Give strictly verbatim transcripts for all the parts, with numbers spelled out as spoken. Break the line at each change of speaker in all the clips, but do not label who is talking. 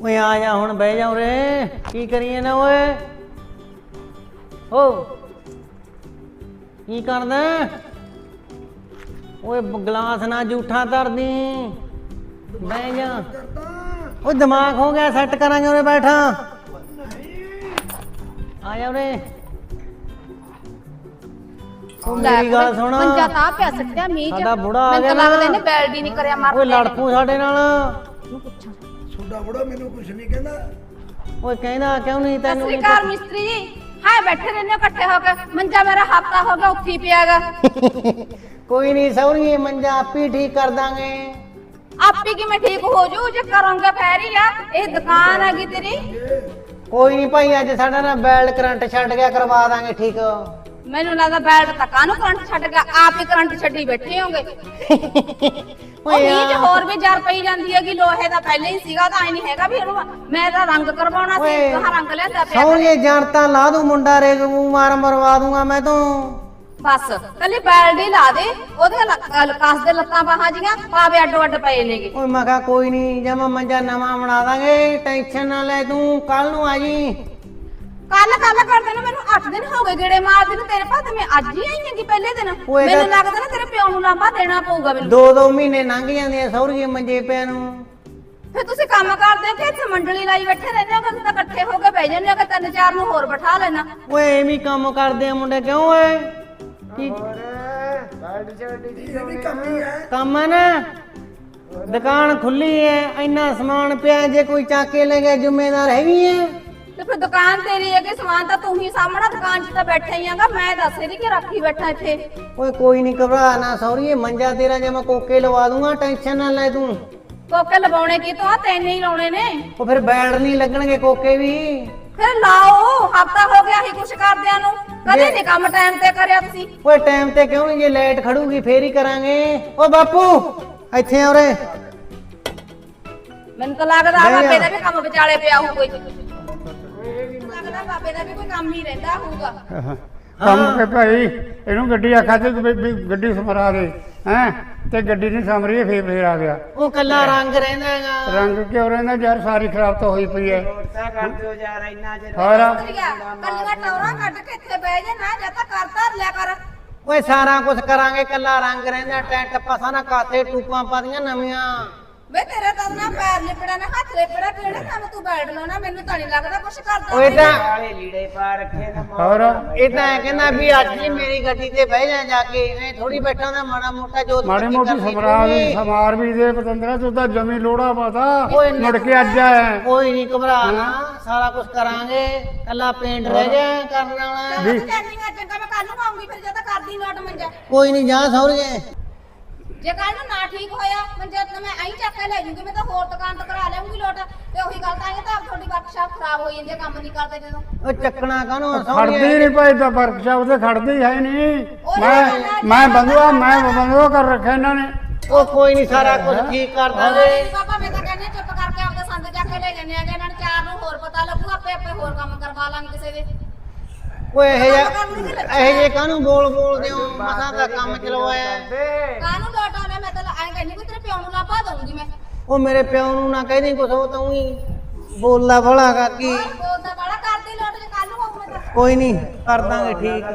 ਓਏ ਆ ਜਾ ਹੁਣ ਬਹਿ ਜਾ ਉਰੇ ਕੀ ਕਰੀਏ ਨਾ ਓਏ ਓ ਕੀ ਕਰਦਾ ਓਏ ਗਲਾਸ ਨਾ ਜੂਠਾ ਧਰਦੀ ਬਹਿ ਜਾ ਓਏ ਦਿਮਾਗ ਹੋ ਗਿਆ ਸੈੱਟ ਕਰਾਂਗੇ ਉਰੇ ਬੈਠਾ ਆ ਜਾ ਉਰੇ ਉਹ ਮੇਰੀ ਗੱਲ ਸੁਣ
ਮੰਜਾ ਤਾਂ ਪਿਆ ਸੱਟਿਆ ਮੀਂਹ ਚ
ਸਾਡਾ ਬੁੜਾ ਆ ਗਿਆ
ਮੈਨੂੰ ਲੱਗਦਾ ਇਹਨੇ ਬੈਲਡੀ ਨਹੀਂ ਕਰਿਆ ਮਰ
ਓਏ ਲੜ ਪੂ ਸਾਡੇ ਨਾਲ
ਛੋਟਾ ਬੁੜਾ ਮੈਨੂੰ ਕੁਝ ਨਹੀਂ ਕਹਿੰਦਾ
ਓਏ ਕਹਿੰਦਾ ਕਿਉਂ ਨਹੀਂ ਤੈਨੂੰ
ਸਤਿ ਸ੍ਰੀ ਅਕਾਲ ਮਿਸਤਰੀ ਜੀ ਹਾਂ ਬੈਠੇ ਰਹਿੰਦੇ ਹੋ ਇਕੱਠੇ ਹੋ ਕੇ ਮੰਜਾ ਮੇਰਾ ਹਫਤਾ ਹੋ ਗਿਆ ਉੱਥੇ ਪਿਆਗਾ
ਕੋਈ ਨਹੀਂ ਸੌਰੀਏ ਮੰਜਾ ਆਪੀ ਠੀਕ ਕਰ ਦਾਂਗੇ
ਆਪੀ ਕਿਵੇਂ ਠੀਕ ਹੋ ਜੂ ਜੇ ਕਰੋਂਗੇ ਫੇਰ ਹੀ ਆ ਇਹ ਦੁਕਾਨ ਹੈਗੀ ਤੇਰੀ
ਕੋਈ ਨਹੀਂ ਭਾਈ ਅੱਜ ਸਾਡਾ ਨਾ ਬੈਲਟ ਕਰੰਟ ਛੱਡ ਗਿਆ ਕਰਵਾ ਦਾਂਗੇ ਠੀਕ
ਮੈਨੂੰ ਲੱਗਦਾ ਬੈਲਟ ਤਾਂ ਕਾਹਨੂੰ ਕਰੰਟ ਛੱਡ ਗਿਆ ਆਪ ਹੀ ਕਰੰਟ ਛੱਡੀ ਬੈਠੇ ਹੋਗੇ ਉਹ ਮੀਂਹ ਚ ਹੋਰ ਵੀ ਜਰ ਪਈ ਜਾਂਦੀ ਹੈਗੀ ਲੋਹੇ ਦਾ ਪਹਿਲੇ ਹੀ ਸੀਗਾ ਤਾਂ ਐ ਨਹੀਂ ਹੈਗਾ ਵੀ ਇਹਨੂੰ ਮੈਂ ਤਾਂ ਰੰਗ ਕਰਵਾਉਣਾ ਸੀ ਕਹਾਂ ਰੰਗ ਲਿਆਂਦਾ ਪਿਆ
ਸੌਰੀਏ ਜਾਣਤਾ ਲਾ ਦੂੰ ਮੁੰਡਾ ਰੇਗ ਮੂੰਹ ਮਾਰ ਮਰਵਾ ਦੂੰਗਾ ਮੈਂ ਤੂੰ
ਬਸ ਕੱਲੀ ਬੈਲਡੀ ਲਾ ਦੇ ਉਹਦੇ ਲਕਾਸ ਦੇ ਲੱਤਾਂ ਬਾਹਾਂ ਜੀਆਂ ਪਾਵੇ ਅੱਡੋ ਅੱਡ ਪਏ ਨੇਗੇ
ਓਏ ਮੈਂ ਕਿਹਾ ਕੋਈ ਨਹੀਂ ਜਮਾ ਮੰਜਾ ਨਵਾਂ ਬਣਾ ਦਾਂਗੇ ਟੈਨਸ਼ਨ ਨਾ ਲੈ ਤੂੰ ਕੱਲ ਨੂੰ ਆ ਜੀ
ਕੱਲ ਕੱਲ ਕਰਦੇ ਨੇ ਮੈਨੂੰ ਅੱਠ ਦਿਨ ਹੋ ਗਏ ਗੇੜੇ ਮਾਰਦੇ ਨੂੰ ਤੇਰੇ ਭਾਤ ਮੈਂ ਅੱਜ ਹੀ ਆਈ ਹਾਂ ਕਿ ਪਹਿਲੇ ਦਿਨ
ਓਏ
ਮੈਨੂੰ
ਤਾਂ-
ਲੱਗਦਾ ਨਾ ਤੇਰੇ ਪਿਓ ਨੂੰ ਲਾਂਭਾ ਦੇਣਾ ਪਊਗਾ ਮੈਨੂੰ
ਦੋ ਦੋ ਮਹੀਨੇ ਲੰਘ ਜਾਂਦੇ ਆ ਸੌਰੀਏ ਮੰਜੇ ਪਿਆ ਨੂੰ
ਫਿਰ ਤੁਸੀਂ ਕੰਮ ਕਰਦੇ ਹੋ ਕਿ ਇੱਥੇ ਮੰਡਲੀ ਲਾਈ ਬੈਠੇ ਰਹਿੰਦੇ ਹੋ ਕਿ ਤੁਸੀਂ ਤਾਂ ਇਕੱਠੇ ਹੋ ਕੇ ਬਹਿ ਜਾਂਦੇ ਹੋ ਕਿ ਤਿੰਨ ਚਾਰ ਨੂੰ ਹੋਰ ਬਿਠਾ ਲੈਣਾ
ਓਏ ਐਵੇਂ ਕੰਮ ਕਰਦੇ ਆ ਮੁੰਡੇ ਕਿਉਂ ਓਏ ਕੀ
ਇਹ ਵੀ ਕੰਮ ਹੀ ਹੈ
ਕੰਮ ਹੈ ਨਾ ਦੁਕਾਨ ਖੁੱਲੀ ਹੈ ਇੰਨਾ ਸਮਾਨ ਪਿਆ ਜੇ ਕੋਈ ਚੱਕ ਕੇ ਲੈ ਗਿਆ ਜ਼ਿੰਮੇਦਾਰ ਹੈਗੀ ਹੈ
ਤੇ ਫਿਰ ਦੁਕਾਨ ਤੇਰੀ ਹੈ ਕਿ ਸਮਾਨ ਤਾਂ ਤੂੰ ਹੀ ਸਾਹਮਣਾ ਦੁਕਾਨ 'ਚ ਤਾਂ ਬੈਠਾ ਹੀ ਆਂਗਾ ਮੈਂ ਦੱਸ ਰਹੀ ਕਿ ਰੱਖੀ ਬੈਠਾ ਇੱਥੇ
ਓਏ ਕੋਈ ਨਹੀਂ ਘਬਰਾ ਨਾ ਸੌਰੀਏ ਮੰਜਾ ਤੇਰਾ ਜੇ ਮੈਂ ਕੋਕੇ ਲਵਾ ਦੂੰਗਾ ਟੈਨਸ਼ਨ ਨਾ ਲੈ ਤੂੰ
ਕੋਕੇ ਲਵਾਉਣੇ ਕੀ ਤੋਂ ਆ ਤੈਨੂੰ ਹੀ ਲਾਉਣੇ ਨੇ
ਉਹ ਫਿਰ ਬੈਲਟ ਨਹੀਂ ਲੱਗਣਗੇ ਕੋਕੇ ਵੀ
ਫਿਰ ਲਾਓ ਹਫਤਾ ਹੋ ਗਿਆ ਹੀ ਕੁਛ ਕਰਦਿਆਂ ਨੂੰ ਕਦੇ ਨਹੀਂ ਕੰਮ ਟਾਈਮ ਤੇ ਕਰਿਆ ਤੁਸੀਂ
ਓਏ ਟਾਈਮ ਤੇ ਕਿਉਂ ਨਹੀਂ ਜੇ ਲਾਈਟ ਖੜੂਗੀ ਫੇਰ ਹੀ ਕਰਾਂਗੇ ਓ ਬਾਪੂ ਇੱਥੇ ਆ ਉਰੇ
ਮੈਨੂੰ ਤਾਂ ਲੱਗਦਾ
ਨਹੀਂ
ਬਾਬੇ
ਆ।
ਦਾ ਵੀ ਕੰਮ ਵਿਚਾਲੇ ਪਿਆ ਹੋਊ ਕੋਈ ਲੱਗਦਾ ਬਾਬੇ ਦਾ ਵੀ ਕੋਈ ਕੰਮ ਹੀ ਰਹਿੰਦਾ ਹੋਊਗਾ
ਕੰਮ ਕੇ ਭਾਈ ਇਹਨੂੰ ਗੱਡੀ ਆਖਾ ਤੇ ਵੀ- ਵੀ ਗੱਡੀ ਸਮਰਾ ਦੇ ਹੈ ਤੇ ਗੱਡੀ ਨਹੀਂ ਸਮਰੀ ਇਹ ਫੇਰ ਫੇਰ ਆ ਗਿਆ
ਉਹ ਕੱਲਾ ਰੰਗ ਰਹਿੰਦਾ ਹੈਗਾ
ਰੰਗ ਕਿਉਂ ਰਹਿੰਦਾ ਯਾਰ ਸਾਰੀ ਖਰਾਬ ਤਾਂ ਹੋਈ ਪਈ ਹੈ ਹੋਰ
ਕੱਲੀਆਂ ਟੌਰਾਂ ਕੱਢ ਕੇ ਇੱਥੇ ਬਹਿ ਜਾ ਨਾ ਜਾਂ ਤਾਂ ਕਰ ਧਰ ਲਿਆ ਕਰ
ਓਏ ਸਾਰਾ ਕੁਝ ਕਰਾਂਗੇ ਕੱਲਾ ਰੰਗ ਰਹਿੰਦਾ ਟੈਂਟ ਪਸਾ ਨਾ ਕਾਤੇ ਟੂਪਾਂ ਪਾਦੀਆਂ ਨਵੀਆਂ
ਵੇ ਤੇਰਾ ਤਾਂ ਨਾ ਪੈਰ ਲਿਪੜਾ ਨਾ ਹੱਥ ਲਿਪੜਾ ਕਿਹੜੇ ਕੰਮ ਤੂੰ ਬੈਠ ਲਾਉਣਾ ਮੈਨੂੰ ਤਾਂ ਨਹੀਂ ਲੱਗਦਾ ਕੁਛ ਕਰਦਾ
ਓਏ ਤਾਂ
ਹੋਰ
ਇਹ ਤਾਂ ਐਂ ਕਹਿੰਦਾ ਵੀ ਅੱਜ ਹੀ ਮੇਰੀ ਗੱਡੀ ਤੇ ਬਹਿ ਜਾ ਜਾ ਕੇ ਐ ਥੋੜੀ ਬੈਠਾ ਨਾ ਮਾੜਾ ਮੋਟਾ ਜੋਤ
ਮਾੜੀ
ਬੱਤੀ
ਮੋਟੀ
ਕਰਨੀ
ਸਮਰਾ ਵੀ
ਪਊਗੀ।
ਸਮਾਰ ਵੀ ਦੇ ਪਤੰਦਰਾ ਤੂੰ ਤਾਂ ਜਮੀ ਲੋੜਾ ਪਾਤਾ
ਓਏ ਨਾ-
ਮੁੜ ਕੇ ਅੱਜ ਆਇਆ
ਕੋਈ ਨਹੀਂ ਘਬਰਾ ਨਾ ਸਾਰਾ ਕੁਝ ਕਰਾਂਗੇ ਕੱਲਾ ਪੇਂਟ ਰਹਿ ਜਾ ਕਰਨ ਵਾਲਾ
ਵੀ ਚੰਗਾ ਮੈਂ ਕੱਲ ਨੂੰ ਆਉਂਗੀ ਫਿਰ ਜਦੋਂ ਕਰਦੀ ਲੋਟ ਮੰਜਾ
ਕੋਈ ਨਹੀਂ ਜਾ ਸੌਰੀਏ
ਜੇ ਕੱਲ ਨੂੰ ਨਾ ਠੀਕ ਹੋਇਆ ਮੰਜਾ ਤਾਂ ਮੈਂ ਐਂ ਚੱਕ ਕੇ ਲੈ ਜੂਗੀ ਮੈਂ ਤਾਂ ਹੋਰ ਦੁਕਾਨ ਤੋਂ ਕਰਾ ਲਿਆਉਂਗੀ ਲੋਟ ਤੇ ਉਹੀ ਗੱਲ ਤਾਂ ਇਹ ਤਾਂ ਤੁਹਾਡੀ ਵਰਕਸ਼ਾਪ ਖਰਾਬ ਹੋਈ ਜਾਂਦੀ ਹੈ ਕੰਮ ਨਹੀਂ ਕਰਦੇ ਜਦੋਂ
ਉਹ ਚੱਕਣਾ ਕਾਹਨੂੰ
ਖੜਦੀ
ਸੌਰੀਏ
ਨਹੀਂ ਭਾਈ ਤਾਂ ਵਰਕਸ਼ਾਪ ਤੇ ਖੜਦੀ ਹੈ ਨਹੀਂ ਮੈਂ ਮੈਂ ਬੰਦੂਆ ਮੈਂ ਬੰਦੂਆ ਕਰ ਰੱਖਿਆ ਇਹਨਾਂ ਨੇ
ਉਹ ਕੋਈ ਨਹੀਂ ਸਾਰਾ ਕੁਝ ਠੀਕ ਕਰ ਦਾਂਗੇ
ਪਾਪਾ ਮੈਂ ਤਾਂ ਕਹਿੰਦੀ ਹਾਂ ਚੁੱਪ ਕਰਕੇ ਆਪਦੇ ਸੰਦ ਚੱਕ ਕੇ ਲੈ ਜੰਨੇ ਆਗੇ ਇਹਨਾਂ ਨੂੰ ਚਾਰ ਨੂੰ ਹੋਰ ਪਤਾ ਲੱਗੂ ਆਪੇ ਆਪੇ ਹੋਰ ਕੰਮ ਕਰਵਾ ਲਾਂਗੇ ਕਿਸੇ ਦੇ
ਓਏ ਇਹ ਜਿਹਾ ਇਹ ਜੇ ਕਾਹਨੂੰ ਬੋਲ ਬੋਲਦੇ ਹੋ ਮਸਾਂ ਦਾ ਕੰਮ ਚਲਵਾਇਆ
ਕਾਹਨੂੰ ਲੋਟ ਆਉਣਾ ਮੈਂ ਤਾਂ ਐਂ ਕਹਿੰਦੀ ਕਿ ਤੇਰੇ ਪਿਓ ਨੂੰ ਲਾਭਾ ਦਊਂਗੀ ਮੈਂ
ਉਹ ਮੇਰੇ ਪਿਓ ਨੂੰ ਨਾ ਕਹਿਦੀ ਕੁਛ ਉਹ ਤਾਂ ਉਹੀ ਬੋਲਦਾ ਭਲਾ ਕਾਕੀ
ਬੋਲਦਾ ਬੜਾ ਕਰਦੀ ਲੋਟ ਜੇ ਕੱਲ ਨੂੰ ਆਉਂ ਮੈਂ ਤਾਂ
ਕੋਈ ਨਹੀਂ ਕਰ ਦਾਂਗੇ ਠੀਕ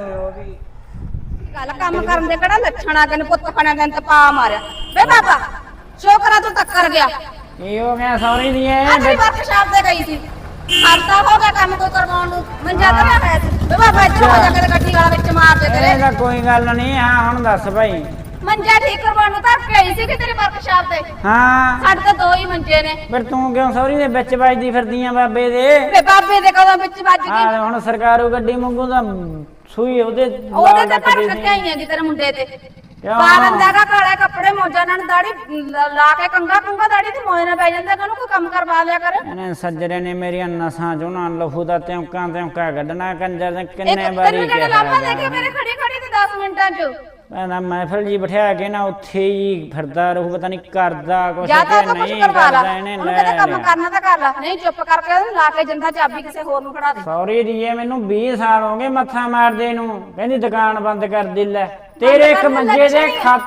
ਗੱਲ ਕੰਮ ਕਰਨ ਦੇ ਕਿਹੜਾ ਲੱਛਣ ਆ ਤੈਨੂੰ ਪੁੱਤ ਖਾਣਾ ਤੈਨੂੰ ਤਾਂ ਪਾ ਮਾਰਿਆ ਵੇ ਬਾਬਾ ਸ਼ੋਕਰਾ ਤੂੰ ਟੱਕਰ ਗਿਆ
ਕੀ ਹੋ ਗਿਆ ਸੌਰੀ ਦੀ
ਅੱਜ ਵੀ ਵਰਕਸ਼ਾਪ ਤੇ ਗਈ ਸੀ ਹਫਤਾ ਹੋ ਗਿਆ ਕੰਮ ਕੋਈ ਕਰਵਾਉਣ ਨੂੰ ਮੰਜਾ ਤਾਂ ਮੈਂ ਹੈ ਵੇ ਬਾਬਾ ਇੱਧਰ ਹੋ ਜਾ ਕੇ ਗੱਡੀ ਵਾਲਾ ਵਿੱਚ ਮਾਰ ਦੇ ਤੇਰੇ
ਇਹਦਾ ਕੋਈ ਗੱਲ ਨਹੀਂ ਹਾਂ ਹੁਣ ਦੱਸ ਭਾਈ
ਮੰਜਾ ਠੀਕ ਕਰਵਾਉਣ ਨੂੰ ਤਾਂ ਗਈ ਸੀ ਕਿ ਤੇਰੇ ਵਰਕਸ਼ਾਪ ਤੇ
ਹਾਂ
ਸਾਡੇ ਤਾਂ ਦੋ ਹੀ ਮੰਜੇ ਨੇ
ਫਿਰ ਤੂੰ ਕਿਉਂ ਸੌਰੀ ਦੇ ਵਿੱਚ ਵੱਜਦੀ ਫਿਰਦੀਆਂ ਬਾਬੇ ਦੇ
ਵੇ ਬਾਬੇ ਦੇ ਕਦੋਂ ਵਿੱਚ ਵੱਜ ਗਈ
ਹਾਂ ਹੁਣ ਸਰਕਾਰੂ ਗੱਡੀ ਮੰਗੂ ਤਾਂ ਸੂਈ ਉਹਦੇ
ਉਹਦੇ ਤੇ ਪਰ ਕੱਟਿਆ ਹੀ ਤੇਰੇ ਮੁੰਡੇ ਤੇ ਬਾਰਨ ਦਾ ਕਾਲੇ ਕੱਪੜੇ ਮੋਜਾ ਨਾਲ ਦਾੜੀ ਲਾ ਕੇ ਕੰਗਾ ਕੰਗਾ ਦਾੜੀ ਤੇ ਮੋਏ ਨਾਲ ਪੈ ਜਾਂਦਾ ਕਿ ਉਹਨੂੰ ਕੋਈ ਕੰਮ ਕਰਵਾ ਲਿਆ ਕਰ
ਇਹਨੇ ਸੱਜਰੇ ਨੇ ਮੇਰੀਆਂ ਨਸਾਂ ਚੋਂ ਨਾ ਲਹੂ ਦਾ ਤਿਉਂਕਾਂ ਤਿਉਂਕਾ ਕੱਢਣਾ ਕੰਜਰ ਨੇ
ਇੱਕ
ਕਿੰਨੇ
ਤੈਨੂੰ
ਵਾਰੀ
ਜਿਹੜਾ ਲਾਂਭਾ ਦੇ ਕੇ ਮੇਰੇ ਖੜੀ ਖੜੀ ਤੇ ਦਸ ਮਿੰਟਾਂ ਚ
ਮੈਂ ਮਹਿਫਲ ਜੀ ਬਿਠਾ ਕੇ ਨਾ ਉੱਥੇ ਹੀ ਫਿਰਦਾ ਰਹੂ ਪਤਾ ਨਹੀਂ ਕਰਦਾ ਕੁਛ
ਜਾਂ ਤਾਂ
ਕਿ
ਕੁਝ
ਨਹੀਂ
ਕਰਵਾ ਲਾ
ਕਰਦਾ ਇਹਨੇ
ਉਹਨੂੰ ਕਹਿੰਦੇ
ਲੈ
ਕੰਮ
ਲਿਆ
ਕਰਨਾ ਤਾਂ ਕਰ ਲਾ ਨਹੀਂ ਚੁੱਪ ਕਰਕੇ ਉਹਨੂੰ ਲਾ ਕੇ ਜੰਦਾ ਚਾਬੀ ਕਿਸੇ ਹੋਰ ਨੂੰ ਫੜਾ ਦੇ
ਸੌਰੀ ਦੀਏ ਮੈਨੂੰ ਵੀਹ ਸਾਲ ਹੋ ਗਏ ਮੱਥਾ ਮਾਰਦੇ ਨੂੰ ਕਹਿੰਦੀ ਦੁਕਾਨ ਬੰਦ ਕਰ ਦੇ ਲੈ ਤੇਰੇ ਇੱਕ ਮੰਜੇ ਦੇ ਖਾਤਰ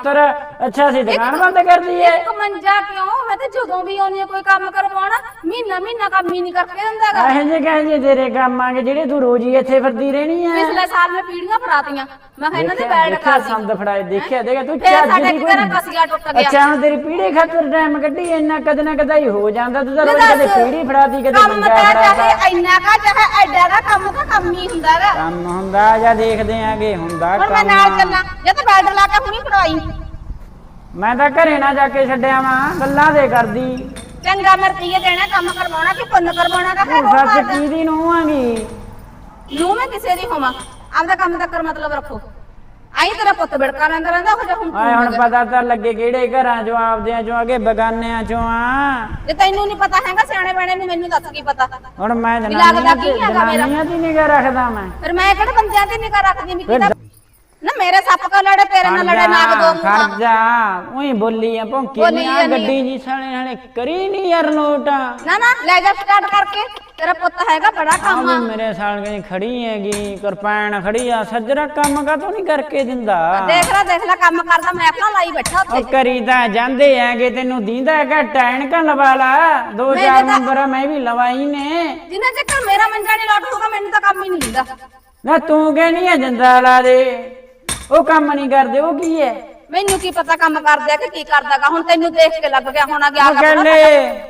ਅੱਛਾ ਅਸੀਂ ਦੁਕਾਨ ਬੰਦ ਕਰਦੀ ਐ
ਇੱਕ ਮੰਜਾ ਕਿਉਂ ਮੈਂ ਤੇ ਜਦੋਂ ਵੀ ਆਉਣੀ ਕੋਈ ਕੰਮ ਕਰਵਾਉਣਾ ਮਹੀਨਾ ਮਹੀਨਾ ਕੰਮ ਹੀ ਨਹੀਂ ਕਰਕੇ ਦਿੰਦਾਗਾ
ਇਹ ਜੇ ਕਹੇ ਜੇ ਤੇਰੇ ਕੰਮ ਆਂਗੇ ਜਿਹੜੇ ਤੂੰ ਰੋਜ਼ ਹੀ ਇੱਥੇ ਫਿਰਦੀ ਰਹਿਣੀ ਐ
ਪਿਛਲੇ ਸਾਲ ਮੈਂ ਪੀੜੀਆਂ ਫੜਾਤੀਆਂ ਮੈਂ ਕਿਹਾ ਇਹਨਾਂ ਦੇ
ਦੇਖਿਆ-
ਬੈਠ
ਦੇਖਿਆ
ਕਰ
ਸੰਦ ਫੜਾਏ ਦੇਖਿਆ ਦੇਖਿਆ ਤੂੰ
ਫੇਰ
ਚੱਜ
ਸਾਡੇ
ਦੀ
ਇੱਕ ਘਰਾਂ ਕਸੀਆ ਟੁੱਟ ਗਿਆ
ਅੱਛਾ ਹੁਣ ਤੇਰੀ ਪੀੜੀ ਖਾਤਰ ਟਾਈਮ ਕੱਢੀ ਇੰਨਾ ਕਦੇ ਨਾ ਕਦੇ ਹੀ ਹੋ ਜਾਂਦਾ ਤੂੰ ਤਾਂ ਰੋਜ਼
ਦੱਸ,
ਕਦੇ ਪੀੜੀ ਫੜਾਤੀ ਕਦੇ
ਕੰਮ
ਮੰਜਾ
ਤਾਂ
ਫੜਾਤਾ
ਚਾਹੇ ਇੰਨਾ ਕਾ ਚਾਹੇ ਐਡਾ ਦਾ ਕੰਮ ਤਾਂ ਕੰਮ ਹੀ ਹੁੰਦਾਗਾ
ਕੰਮ ਹੁੰਦਾ ਜਾਂ ਦੇਖਦੇ ਆਂਗੇ ਹੁੰਦਾ
ਹੁਣ ਮੈਂ
ਕੰਮ
ਨਾਲ ਚੱਲਾਂ ਜੇ ਤਾਂ ਬੈਡ ਲਾ ਕੇ ਹੁਣੀ ਫੜਾਈ
ਮੈਂ ਤਾਂ ਘਰੇ ਨਾ ਜਾ ਕੇ ਛੱਡਿਆ ਵਾਂ ਗੱਲਾਂ ਦੇ ਕਰਦੀ
ਚੰਗਾ ਮੈਂ ਰੁਪਈਏ ਦੇਣਾ ਕੰਮ ਕਰਵਾਉਣਾ ਕਿ ਪੁੰਨ ਕਰਵਾਉਣਾ ਦਾ
ਤੂੰ ਸੱਚ ਕੀਦੀ ਨੂੰ ਆਂਗੀ
ਨੂੰ ਮੈਂ ਕਿਸੇ ਦੀ ਹੋਵਾਂ ਆਪਦਾ ਕੰਮ ਦਾ ਕਰ ਮਤਲਬ ਰੱਖੋ ਆਈ ਤੇਰਾ ਪੁੱਤ ਬਿੜਕਾ ਲੈਂਦਾ ਰਹਿੰਦਾ ਹੋ ਜਾ ਹੁਣ
ਆਏ ਹੁਣ ਪਤਾ ਤਾਂ ਲੱਗੇ ਕਿਹੜੇ ਘਰਾਂ ਚੋਂ ਆਪਦਿਆਂ ਚੋਂ ਅਗੇ ਬਗਾਨਿਆਂ ਚੋਂ ਆ
ਜੇ ਤੈਨੂੰ ਨਹੀਂ ਪਤਾ ਹੈਗਾ ਸਿਆਣੇ ਬਣੇ ਨੂੰ ਮੈਨੂੰ ਦੱਸ ਕੀ ਪਤਾ
ਹੁਣ ਮੈਂ
ਵੀ ਲੱਗਦਾ
ਜਨਾਨੀਆਂ
ਕੀ
ਤੇ
ਹੈਗਾ ਮੇਰਾ?
ਜਨਾਨੀਆਂ ਦੀ ਨਿਗਾਹ ਰੱਖਦਾ ਮੈਂ
ਫਿਰ ਮੈਂ ਕਿਹੜੇ ਬੰਦਿਆਂ ਤੇ ਨਿਗਾਹ ਰੱਖਦੀ ਵੀ ਕਿਹਦਾ ਨਾ ਮੇਰੇ ਸੱਪ ਕਾ ਲੜੇ ਤੇਰੇ ਨਾਲ ਲੜੇ ਨਾਗ ਦੋ ਮੂੰਹਾਂ
ਖੜ ਜਾ ਉਹੀ ਬੋਲੀ ਆ ਭੌਂਕੀ
ਬੋਲੀ
ਨਹੀਂ ਆ
ਜਾਂਦੀ ਆ।
ਗੱਡੀ ਜੀ ਸਾਲੇ ਨਾਲੇ ਕਰੀ ਨਹੀਂ ਯਾਰ ਨੋਟ ਆ
ਨਾ ਨਾ ਲੈ ਜਾ ਸਟਾਰਟ ਕਰਕੇ ਤੇਰਾ ਪੁੱਤ ਹੈਗਾ ਬੜਾ ਕੰਮ ਆ
ਵੀ ਮੇਰੇ ਸਾਲ ਗਈ ਖੜੀ ਹੈਗੀ ਕਿਰਪਾਨ ਖੜੀ ਆ ਸੱਜਰਾ ਕੰਮ ਕਾ ਨਹੀਂ ਕਰਕੇ ਦਿੰਦਾ
ਦੇਖ ਲੈ ਦੇਖ ਲੈ ਕੰਮ ਕਰਦਾ ਮੈਂ ਆਪਣਾ ਲਾਈ ਬੈਠਾ
ਉਹ
ਉੱਥੇ
ਕਰੀ ਤਾਂ ਜਾਂਦੇ ਹੈਗੇ ਤੈਨੂੰ ਦੀਂਦਾ ਹੈਗਾ ਟੈਨਕਾਂ ਲਵਾ ਲਾ ਦੋ
ਮੇਰੇ
ਚਾਰ
ਤਾਂ-
ਨੰਬਰ ਮੈਂ ਵੀ ਲਵਾਈ ਨੇ
ਜਿੰਨਾ ਚੱਕਰ ਮੇਰਾ ਮੰਜਾ ਨਹੀਂ ਲੋਟ ਹੋਊਗਾ ਮੈਨੂੰ ਤਾਂ ਕੰਮ ਹੀ ਨਹੀਂ ਦਿੰਦਾ
ਨਾ ਤੂੰ ਕਹਿਨੀ ਆ ਜੰਦਾ ਲਾ ਦੇ ਉਹ ਕੰਮ ਨਹੀਂ ਕਰਦੇ ਉਹ ਕੀ ਹੈ
ਮੈਨੂੰ ਕੀ ਪਤਾ ਕੰਮ ਕਰਦਾ ਕਿ ਕੀ ਕਰਦਾਗਾ ਹੁਣ ਤੈਨੂੰ ਦੇਖ ਕੇ ਲੱਗ ਗਿਆ ਹੋਣਾ ਗਿਆ
ਉਹ ਕਹਿੰਦੇ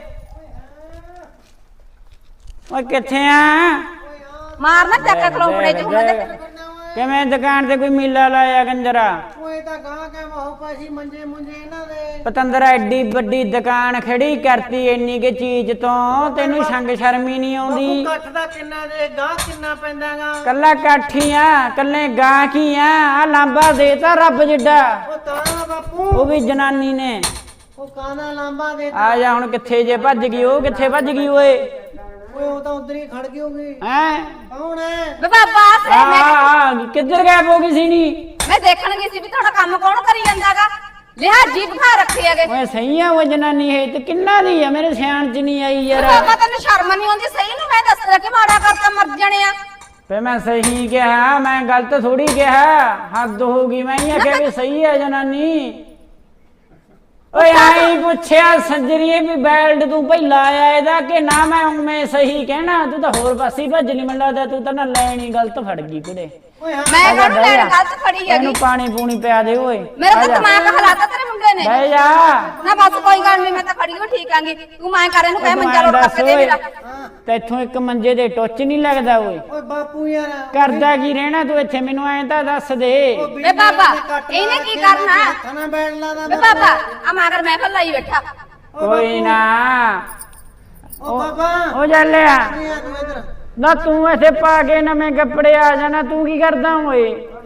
ਓਏ ਕਿੱਥੇ ਆ
ਮਾਰਨਾ ਚੱਕਾ ਖਲੋਪੜੇ ਚ ਹੁਣ ਤੇ
ਕਿਵੇਂ ਦੁਕਾਨ ਤੇ ਕੋਈ ਮੇਲਾ ਲਾਇਆ ਗੰਜਰਾ
ਓਏ ਤਾਂ ਗਾਂ ਕੇ ਮਹੋ ਪਾਸੀ ਮੰਜੇ ਮੁੰਜੇ ਇਹਨਾਂ ਦੇ
ਪਤੰਦਰਾ ਐਡੀ ਵੱਡੀ ਦੁਕਾਨ ਖੜੀ ਕਰਤੀ ਇੰਨੀ ਕੇ ਚੀਜ਼ ਤੋਂ ਤੈਨੂੰ ਸੰਗ ਸ਼ਰਮੀ ਨਹੀਂ ਆਉਂਦੀ
ਕੱਠ ਦਾ ਕਿੰਨਾ ਦੇ ਗਾਂ ਕਿੰਨਾ ਪੈਂਦਾਗਾ
ਕੱਲਾ ਕਾਠੀਆਂ ਕੱਲੇ ਗਾਂ ਕੀ ਆ ਆ ਲਾਂਬਾ ਦੇਤਾ ਰੱਬ ਜਿੱਡਾ
ਉਹ ਤਾਂ ਬਾਪੂ
ਉਹ ਵੀ ਜਨਾਨੀ ਨੇ
ਉਹ ਕਾਨਾ ਲਾਂਬਾ ਦੇ
ਆ ਜਾ ਹੁਣ ਕਿੱਥੇ ਜੇ ਭੱਜ ਗਈ ਉਹ ਕਿੱਥੇ ਭੱਜ ਗਈ ਓਏ
ਓਏ ਉਹ ਤਾਂ ਉਧਰ ਹੀ ਖੜ ਗਈ ਹੋਗੀ
ਹੈ
ਕੌਣ ਹੈ
ਵੇ ਬਾਬਾ
ਆ ਆ, ਕਿੱਧਰ ਗਾਇਬ ਹੋ ਗਈ ਸੀ ਨੀ
ਮੈਂ ਦੇਖਣ ਗਈ ਸੀ ਵੀ ਤੁਹਾਡਾ ਕੰਮ ਕੌਣ ਕਰੀ ਜਾਂਦਾਗਾ ਲਿਆ ਜੀਬ ਖਾ ਰੱਖੀ ਹੈਗੇ
ਓਏ ਸਹੀ ਆ ਉਹ ਜਨਾਨੀ ਹੈ ਤੇ ਕਿੰਨਾ ਦੀ ਆ ਮੇਰੇ ਸਿਆਣ ਚ ਨਹੀਂ ਆਈ ਯਾਰ
ਬਾਬਾ ਤੈਨੂੰ ਸ਼ਰਮ ਨਹੀਂ ਆਉਂਦੀ ਸਹੀ ਨੂੰ ਮੈਂ ਦੱਸਦਾ ਕਿ ਮਾੜਾ ਕਰਤਾ ਮਰ ਜਾਣੇ ਆ
ਫੇ ਮੈਂ ਸਹੀ ਕਿਹਾ ਮੈਂ ਗਲਤ ਥੋੜੀ ਕਿਹਾ ਹੱਦ ਹੋ ਗਈ ਮੈਂ ਇਹ ਆਖਿਆ ਵੀ ਸਹੀ ਹੈ ਜਨਾਨੀ ਓਏ ਆਈ ਪੁੱਛਿਆ ਸੱਜਰੀਏ ਵੀ ਬੈਲਟ ਤੂੰ ਪਹਿਲਾਂ ਆਇਆ ਇਹਦਾ ਕਿ ਨਾ ਮੈਂ ਮੈਂ ਸਹੀ ਕਹਿਣਾ ਤੂੰ ਤਾਂ ਹੋਰ ਪਾਸੇ ਭੱਜ ਨਹੀਂ ਮੈਨੂੰ ਲੱਗਦਾ ਤੂੰ ਤਾਂ ਨਾ ਲੈਣੀ ਗਲਤ ਫੜ ਗਈ ਕੁੜੇ
ਓਏ ਹਾਂ
ਮੈਂ ਕਹਿੰਦਾ ਲੈਣ ਗਲਤ ਫੜੀ ਹੈਗੀ
ਇਹਨੂੰ ਪਾਣੀ ਪੂਣੀ ਪਿਆ ਦੇ ਓਏ
ਮੇਰਾ ਤਾਂ ਦਿਮਾਗ ਹਲਾਤਾ ਤੇਰੇ ਮੁੰਡੇ ਨੇ
ਬਹਿ ਜਾ
ਨਾ ਬਸ ਕੋਈ ਗੱਲ ਨਹੀਂ ਮੈਂ ਤਾਂ ਖੜੀ ਵੀ ਠੀਕ ਆਂਗੀ ਤੂੰ ਮੈਂ ਕਰ ਇਹਨੂੰ ਕਹਿ ਮੰਜਾ ਲੋਟ ਕਰਕੇ ਦੇ ਮੇਰਾ
ਤੈਥੋਂ ਇੱਕ ਮੰਜੇ ਦੇ ਟੁੱਚ ਨਹੀਂ ਲੱਗਦਾ ਓਏ
ਓਏ ਬਾਪੂ ਯਾਰ
ਕਰਦਾ ਕੀ ਰਹਿਣਾ ਤੂੰ ਇੱਥੇ ਮੈਨੂੰ ਐਂ ਤਾਂ ਦੱਸ ਦੇ
ਵੇ ਬਾਬਾ ਇਹਨੇ ਕੀ ਕਰਨਾ
ਖਾਣਾ ਬੈਠ ਲਾਦਾ
ਵੇ ਬਾਬਾ ਆ ਮਗਰ ਮੈਂ ਭੱਲਾ ਹੀ ਬੈਠਾ
ਕੋਈ ਨਾ
ਓ ਬਾਬਾ
ਉਹ ਚੱਲਿਆ
ਨਹੀਂ ਆ ਤੂੰ ਇਧਰ
ਨਾ ਤੂੰ ਇੱਥੇ ਪਾ ਕੇ ਨਵੇਂ ਕੱਪੜੇ ਆ ਜਾਣਾ ਤੂੰ ਕੀ ਕਰਦਾ ਓਏ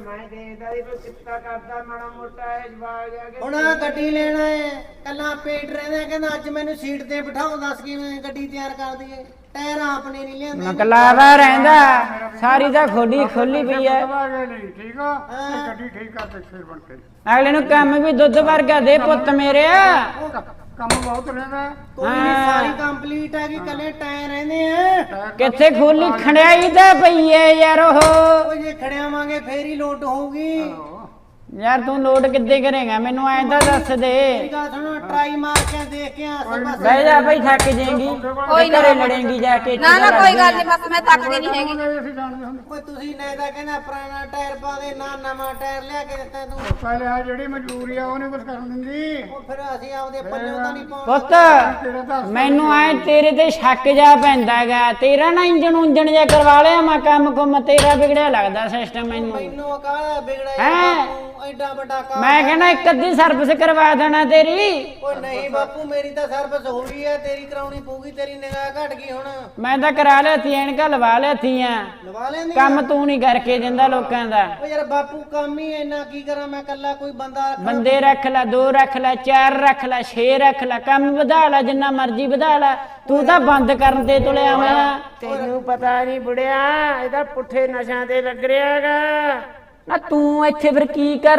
ਹੁਣ ਆਹ ਗੱਡੀ ਲੈਣਾ ਹੈ ਕੱਲਾ ਪੇਟ ਰਹਿੰਦਾ ਕਹਿੰਦਾ ਅੱਜ ਮੈਨੂੰ ਸੀਟ ਤੇ ਬਿਠਾਓ ਦੱਸ ਕਿਵੇਂ ਗੱਡੀ ਤਿਆਰ ਕਰ ਦਈਏ ਟਾਇਰ ਆਪਣੇ ਨਹੀਂ ਲਿਆਂਦੇ
ਮਕਲਾਵਾ ਰਹਿੰਦਾ ਸਾਰੀ ਤਾਂ ਖੋਲੀ ਖੋਲੀ ਪਈ ਐ
ਠੀਕ ਆ ਤੇ ਗੱਡੀ ਠੀਕ ਕਰ ਤੇ ਸਿਰ ਬਣ ਕੇ
ਅਗਲੇ ਨੂੰ ਕੰਮ ਵੀ ਦੁੱਧ ਵਰਗਾ ਦੇ ਪੁੱਤ ਮੇਰੇ
ਕੰਮ ਬਹੁਤ ਰਹਿੰਦਾ
ਕੋਈ ਨਹੀਂ ਸਾਰੀ ਕੰਪਲੀਟ ਹੈ ਕਿ ਕੱਲੇ ਟਾਇਰ ਰਹਿੰਦੇ ਆ
ਕਿੱਥੇ ਖੋਲੀ ਖੜਿਆਈ ਤਾਂ ਪਈ ਐ ਯਾਰ ਉਹ
ਓ ਜੇ ਖੜਿਆਵਾਂਗੇ ਫੇਰ ਹੀ ਲੋਟ ਹੋਊਗੀ
ਯਾਰ ਤੂੰ ਲੋਡ ਕਿੱਦੇ ਕਰੇਗਾ ਮੈਨੂੰ ਐਂ ਤਾਂ ਦੱਸ ਦੇ
ਮੇਰੀ ਗੱਲ ਸੁਣੋ ਟਰਾਈ ਮਾਰ ਕੇ ਦੇਖ ਕੇ ਆਸੇ ਪਾਸੇ
ਬਹਿ ਜਾ ਭਾਈ ਥੱਕ ਜਾਏਗੀ
ਕੋਈ ਨਾ
ਘਰੇ ਲੜੇਂਗੀ ਜਾ ਕੇ
ਨਾ ਨਾ ਕੋਈ ਗੱਲ ਨਹੀਂ ਬਸ ਮੈਂ ਥੱਕਦੀ ਨਹੀਂ ਹੈਗੀ
ਅਸੀਂ ਜਾਣਦੇ ਹੁੰਦੇ
ਓਏ ਤੁਸੀਂ ਨੇ ਤਾਂ ਕਹਿੰਦਾ ਪੁਰਾਣਾ ਟਾਇਰ ਪਾ ਦੇ ਨਾ ਨਵਾਂ ਟਾਇਰ ਲਿਆ ਕੇ ਦਿੱਤਾ ਤੂੰ
ਪਹਿਲੇ ਆ ਜਿਹੜੀ ਮਜਬੂਰੀ ਆ ਉਹ ਨਹੀਂ ਕੁਝ ਕਰਨ ਦਿੰਦੀ
ਉਹ ਫਿਰ ਅਸੀਂ ਆਪਦੇ ਪੱਲਿਓਂ ਤਾਂ ਨਹੀਂ ਪਾਉਣਾ
ਪੁੱਤ ਮੈਨੂੰ ਐ ਤੇਰੇ ਤੇ ਸ਼ੱਕ ਜਾ ਪੈਂਦਾਗਾ ਤੇਰਾ ਨਾ ਇੰਜਣ ਉਂਜਣ ਜਾ ਕਰਵਾ ਲਿਆ ਮੈਂ ਕੰਮ ਕੁਮ ਤੇਰਾ ਵਿਗੜਿਆ ਲੱਗਦਾ ਸਿਸਟਮ ਮੈਨੂੰ
ਮੈਨੂੰ ਕਾਹਦਾ ਵਿਗੜਿਆ
ਹੈਂ?
ਬਾਪੂ ਐਡਾ ਵੱਡਾ ਕੰਮ
ਮੈਂ ਕਹਿੰਦਾ ਇੱਕ ਅੱਧੀ ਸਰਵਿਸ ਕਰਵਾ ਦੇਣਾ ਤੇਰੀ
ਓਏ ਨਹੀਂ ਬਾਪੂ ਮੇਰੀ ਤਾਂ ਸਰਵਿਸ ਹੋ ਗਈ ਹੈ ਤੇਰੀ ਕਰਾਉਣੀ ਪਊਗੀ ਤੇਰੀ ਨਿਗਾਹ ਘਟ ਗਈ ਹੁਣ
ਮੈਂ ਤਾਂ ਕਰਾ ਲਿਆਤੀ ਐਨਕਾਂ ਲਵਾ ਲਿਆਤੀਆਂ
ਲਵਾ ਲੈਂਦੀ
ਕੰਮ ਤੂੰ ਨਹੀਂ ਕਰਕੇ ਦਿੰਦਾ ਲੋਕਾਂ ਦਾ
ਓ ਯਾਰ ਬਾਪੂ ਕੰਮ ਹੀ ਇੰਨਾ ਕੀ ਕਰਾਂ ਮੈਂ ਕੱਲਾ ਕੋਈ ਬੰਦਾ ਰੱਖਾਂ?
ਬੰਦੇ ਰੱਖ ਲੈ ਦੋ ਰੱਖ ਲੈ ਚਾਰ ਰੱਖ ਲੈ ਛੇ ਰੱਖ ਲੈ ਕੰਮ ਵਧਾ ਲੈ ਜਿੰਨਾ ਮਰਜ਼ੀ ਵਧਾ ਲੈ ਤੂੰ ਤਾਂ ਬੰਦ ਕਰਨ ਤੇ ਤੁਲਿਆ ਹੋਇਆ
ਤੈਨੂੰ ਪਤਾ ਨਹੀਂ ਬੁੜਿਆ ਇਹਦਾ ਪੁੱਠੇ ਨਸ਼ਿਆਂ ਤੇ ਲੱਗ ਰਿਹਾ ਹੈਗਾ
ਨਾ ਤੂੰ ਇੱਥੇ ਫਿਰ ਕੀ ਕਰ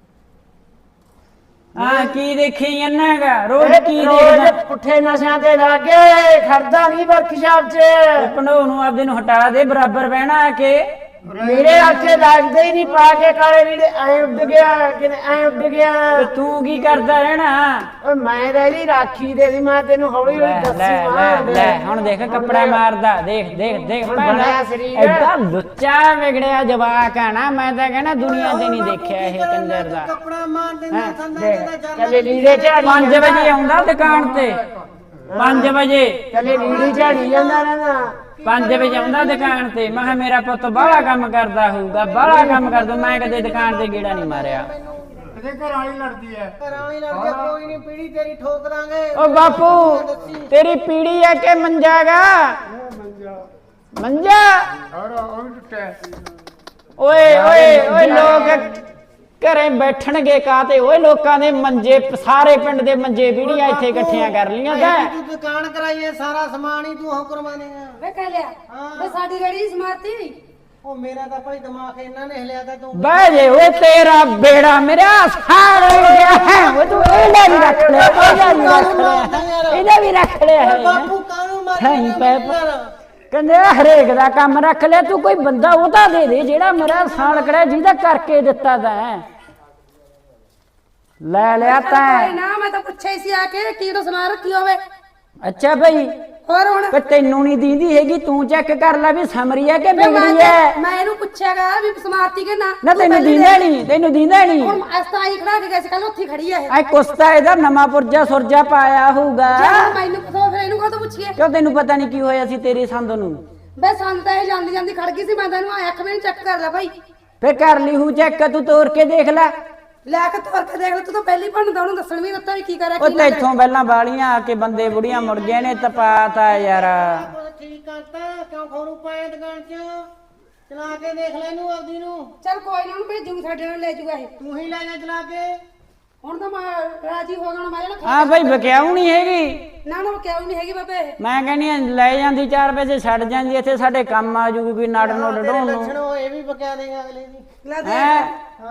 ਹਾਂ ਕੀ ਦੇਖੀ ਜਾਂਦਾਗਾ ਰੋਜ਼ ਕੀ
ਰੋਜ਼
ਦੇਖਦਾ
ਪੁੱਠੇ ਨਸ਼ਿਆਂ ਤੇ ਲੱਗ ਗਿਆ ਖੜਦਾ ਨਹੀਂ ਵਰਕਸ਼ਾਪ 'ਚ
ਭਣੋ ਨੂੰ ਆਪਦੇ ਨੂੰ ਹਟਾ ਦੇ ਬਰਾਬਰ ਬਹਿਣਾ ਆ ਕੇ
ਮੇਰੇ ਹੱਥੇ ਲੱਗਦੇ ਹੀ ਨਹੀਂ ਪਾ ਕੇ ਕਾਲੇ ਲੀੜੇ ਐ ਉੱਡ ਗਿਆ ਕਿਤੇ ਐ ਉੱਡ ਗਿਆ
ਤੇ ਤੂੰ ਕੀ ਕਰਦਾ ਰਹਿਣਾ?
ਓਏ ਮੈਂ ਤਾਂ ਇਹਦੀ ਰਾਖੀ ਦੇ ਦੀ ਮੈਂ ਤੈਨੂੰ ਹੌਲੀ ਹੌਲੀ
ਲੈ
ਦੱਸੀ
ਲੈ ਲੈ ਲੈ ਹੁਣ ਦੇਖ ਕੱਪੜਾ ਮਾਰਦਾ, ਦੇਖ ਦੇਖ ਦੇਖ
ਹੁਣ
ਭੈਣਾ,
ਬਣਿਆ ਸਰੀਰ।
ਐਡਾ ਲੁੱਚਾ ਵਿਗੜਿਆ ਜਵਾਕ ਆ ਨਾ, ਮੈਂ ਤਾਂ ਕਹਿੰਦਾ ਦੁਨੀਆ ਤੇ ਨਹੀਂ ਦੇਖਿਆ ਇਹ ਕੰਜਰ ਦਾ।
ਕੱਪੜਾ ਮਾਰ ਦਿੰਦਾ ਸੰਦਾ
ਦੇਖ
ਦਾ ਜਰ
ਕੱਲੇ ਲੀੜੇ ਝਾੜੀ
ਪੰਜ ਵਜੇ ਆਉਂਦਾ ਦੁਕਾਨ ਤੇ, ਪੰਜ ਵਜੇ
ਕੱਲੇ ਲੀੜੇ ਝਾੜੀ ਜਾਂਦਾ ਰਹਿੰਦਾ।
ਪੰਜ ਵਜੇ ਆਉਂਦਾ ਦੁਕਾਨ ਤੇ। ਮੈਂ ਕਿਹਾ ਮੇਰਾ ਪੁੱਤ ਬਾਹਲਾ ਕੰਮ ਕਰਦਾ ਹੋਊਗਾ, ਬਾਹਲਾ ਕੰਮ ਕਰਦਾ। ਮੈਂ ਕਦੇ ਦੁਕਾਨ ਤੇ ਗੇੜਾ ਨਹੀਂ ਮਾਰਿਆ।
ਇਹਦੇ ਘਰ ਵਾਲੀ ਲੜਦੀ ਐ।
ਘਰਾਂ ਵਾਲੀ ਲੜ ਗਿਆ ਕੋਈ ਨਹੀਂ ਪੀੜੀ ਤੇਰੀ ਠੋਕ ਦਾਂਗੇ
ਓ ਬਾਪੂ ਤੇਰੀ ਪੀੜੀ ਆ ਕਿ ਮੰਜਾਗਾ? ਮੰਜਾ
ਔਰ ਉਹ ਵੀ ਟੁੱਟਿਆ।
ਓਏ ਓਏ ਓਏ ਲੋਕ ਘਰੇ ਬੈਠਣਗੇ ਕਾਤੇ? ਓਏ ਲੋਕਾਂ ਦੇ ਮੰਜੇ, ਸਾਰੇ ਪਿੰਡ ਦੇ ਮੰਜੇ ਵੀੜੀਆਂ ਇੱਥੇ ਇਕੱਠੀਆਂ ਕਰ ਲੀਆਂ ਤਾਂ।
ਤੂੰ ਦੁਕਾਨ ਕਰਾਈਏ ਸਾਰਾ ਸਮਾਨ ਹੀ ਤੂੰ ਉਹ ਕਰਵਾਵੇਂਗਾ।
ਵੇ ਕਹਿ ਲਿਆ ਵੇ ਸਾਡੀ ਰੇੜੀ ਸਮਾਰਤੀ
ਉਹ ਮੇਰਾ ਤਾਂ ਭਾਈ ਦਿਮਾਗ ਇਹਨਾਂ ਨੇ ਹਿਲਿਆ ਤਾਂ ਤੂੰ
ਬਹਿ ਜੇ ਓਏ ਤੇਰਾ ਬੇੜਾ ਮੇਰਾ ਸਾੜ ਗਿਆ ਹੈ। ਓ ਤੂੰ ਇਹਦਾ ਵੀ ਰੱਖ ਲੈ, ਇਹਦਾ ਵੀ ਰੱਖ ਲੈ, ਇਹਦਾ ਵੀ ਰੱਖ ਲਿਆ ਹੈ।
ਬਾਪੂ ਕਾਹਨੂੰ
ਨਹੀਂ
ਮਾਰੀ
ਪੈ ਕਹਿੰਦੇ ਹਰੇਕ ਦਾ ਕੰਮ ਰੱਖ ਲਿਆ ਤੂੰ। ਕੋਈ ਬੰਦਾ ਉਹਦਾ ਦੇ ਦੇ ਜਿਹੜਾ ਮੇਰਾ ਸਾਲ ਕੜਿਆ, ਜਿਹਦਾ ਕਰਕੇ ਦਿੱਤਾ ਤੈਂ। ਲੈ ਲਿਆ ਤੈਂ।
ਨਾ ਮੈਂ ਤਾਂ ਪੁੱਛਿਆ ਹੀ ਸੀ ਆ ਕੇ ਕੀ ਤੋਂ ਸਮਾਨ ਰੱਖੀ ਹੋਵੇ।
ਅੱਛਾ ਬਈ
ਹੋਰ ਹੁਣ
ਕਿ ਤੈਨੂੰ ਨਹੀਂ ਦੀਂਦੀ ਹੈਗੀ? ਤੂੰ ਚੈੱਕ ਕਰ ਲੈ ਵੀ ਸਮਰੀ ਹੈ ਕਿ
ਵੇ ਮੈਂ
ਬਿਗੜੀ ਹੈ।
ਮੈਂ ਇਹਨੂੰ ਪੁੱਛਿਆਗਾ ਵੀ ਸਮਾਰਤੀ ਕਿ ਨਾ।
ਨਾ
ਤੂੰ
ਤੈਨੂੰ
ਪਹਿਲੀ
ਦੀਂਦਾ
ਦੇਖ।
ਨਹੀਂ, ਤੈਨੂੰ ਦੀਂਦਾ ਨਹੀਂ।
ਹੁਣ ਅਸਤਾ ਹੀ ਖੜਾ ਕੇ ਗਏ ਸੀ ਕੱਲ ਉੱਥੇ ਖੜੀ ਹੈ ਇਹ।
ਐ ਕੁਸਤਾ ਇਹਦਾ ਨਵਾਂ ਪੁਰਜਾ ਸੁਰਜਾ ਪਾਇਆ ਹੋਊਗਾ।
ਚੱਲ ਮੈਨੂੰ ਪਤਾ ਫਿਰ ਇਹਨੂੰ ਕਾਹਤੋਂ ਪੁੱਛੀਏ।
ਕਿਉਂ ਤੈਨੂੰ ਪਤਾ ਨਹੀਂ ਕੀ ਹੋਇਆ ਸੀ ਤੇਰੀ ਸੰਦ ਨੂੰ?
ਵੇ ਸੰਦ ਤਾਂ ਇਹ ਜਾਂਦੀ ਜਾਂਦੀ ਖੜ ਗਈ ਸੀ। ਮੈਂ ਤੈਨੂੰ ਆਇਆ ਅੱਖ ਮੈਨੂੰ ਚੈੱਕ ਕਰ ਲੈ ਭਾਈ।
ਫੇਰ ਕਰ ਲਈ ਹੂ ਚੈੱਕ, ਤੂੰ ਤੋੜ ਕੇ ਦੇਖ ਲੈ।
ਲੈ ਕੇ ਤੋਰ ਕੇ ਦੇਖ ਲੈ। ਤੂੰ ਤਾਂ ਪਹਿਲੀ ਬਣਦਾ ਉਹਨੂੰ ਦੱਸਣ ਵੀ ਦਿੱਤਾ ਵੀ ਕੀ ਕਰਿਆ
ਉਹ
ਕੀ ਨਾ ਕਰਿਆ।
ਤੈਥੋਂ ਪਹਿਲਾਂ ਬਾਲੀਆਂ ਆ ਕੇ ਬੰਦੇ ਬੁੜੀਆਂ ਮੁੜ ਗਏ ਨੇ ਤਪਾਤਾ ਯਾਰ।
ਠੀਕ ਕਰਤਾ ਕਿਉਂ ਖੋਰੂ ਪਾਇਆ ਦੁਕਾਨ 'ਚ ਚਲਾ ਕੇ ਦੇਖ ਲੈ ਇਹਨੂੰ ਆਪਦੀ ਨੂੰ।
ਚੱਲ ਕੋਈ ਨਾ ਉਹਨੂੰ ਭੇਜੂਗੀ ਸਾਡੇ ਨਾਲ ਲੈ ਜੂਗਾ ਇਹ।
ਤੂੰ ਹੀ ਲੈ ਜਾ ਚਲਾ ਕੇ।
ਹੁਣ ਤਾਂ ਮੈਂ ਰਾਜੀ ਹੋ ਗਿਆ ਮੈਂ ਜਿਹੜਾ
ਹਾਂ ਭਾਈ ਬਕਿਆਉ ਨਹੀਂ ਹੈਗੀ।
ਨਾ ਨਾ ਕਿਉਂ ਨਹੀਂ ਹੈਗੀ ਬਾਬੇ ਇਹ।
ਮੈਂ ਕਹਿੰਦੀ ਆ ਲੈ ਜਾਂਦੀ ਚਾਰ ਪੈਸੇ ਛੱਡ ਜਾਂਦੀ, ਇੱਥੇ ਸਾਡੇ ਕੰਮ ਆ ਜੂਗੀ ਕੋਈ ਨਾੜ ਨੋੜ
ਤੇਰੇ
ਢੋਣ ਨੂੰ।
ਲੱਛਣ ਉਹ ਇਹ ਵੀ ਬਕਿਆ ਦੇਗਾ ਅਗਲੇ ਦੀ।
ਲੈ ਦੇ
ਹੈਂ?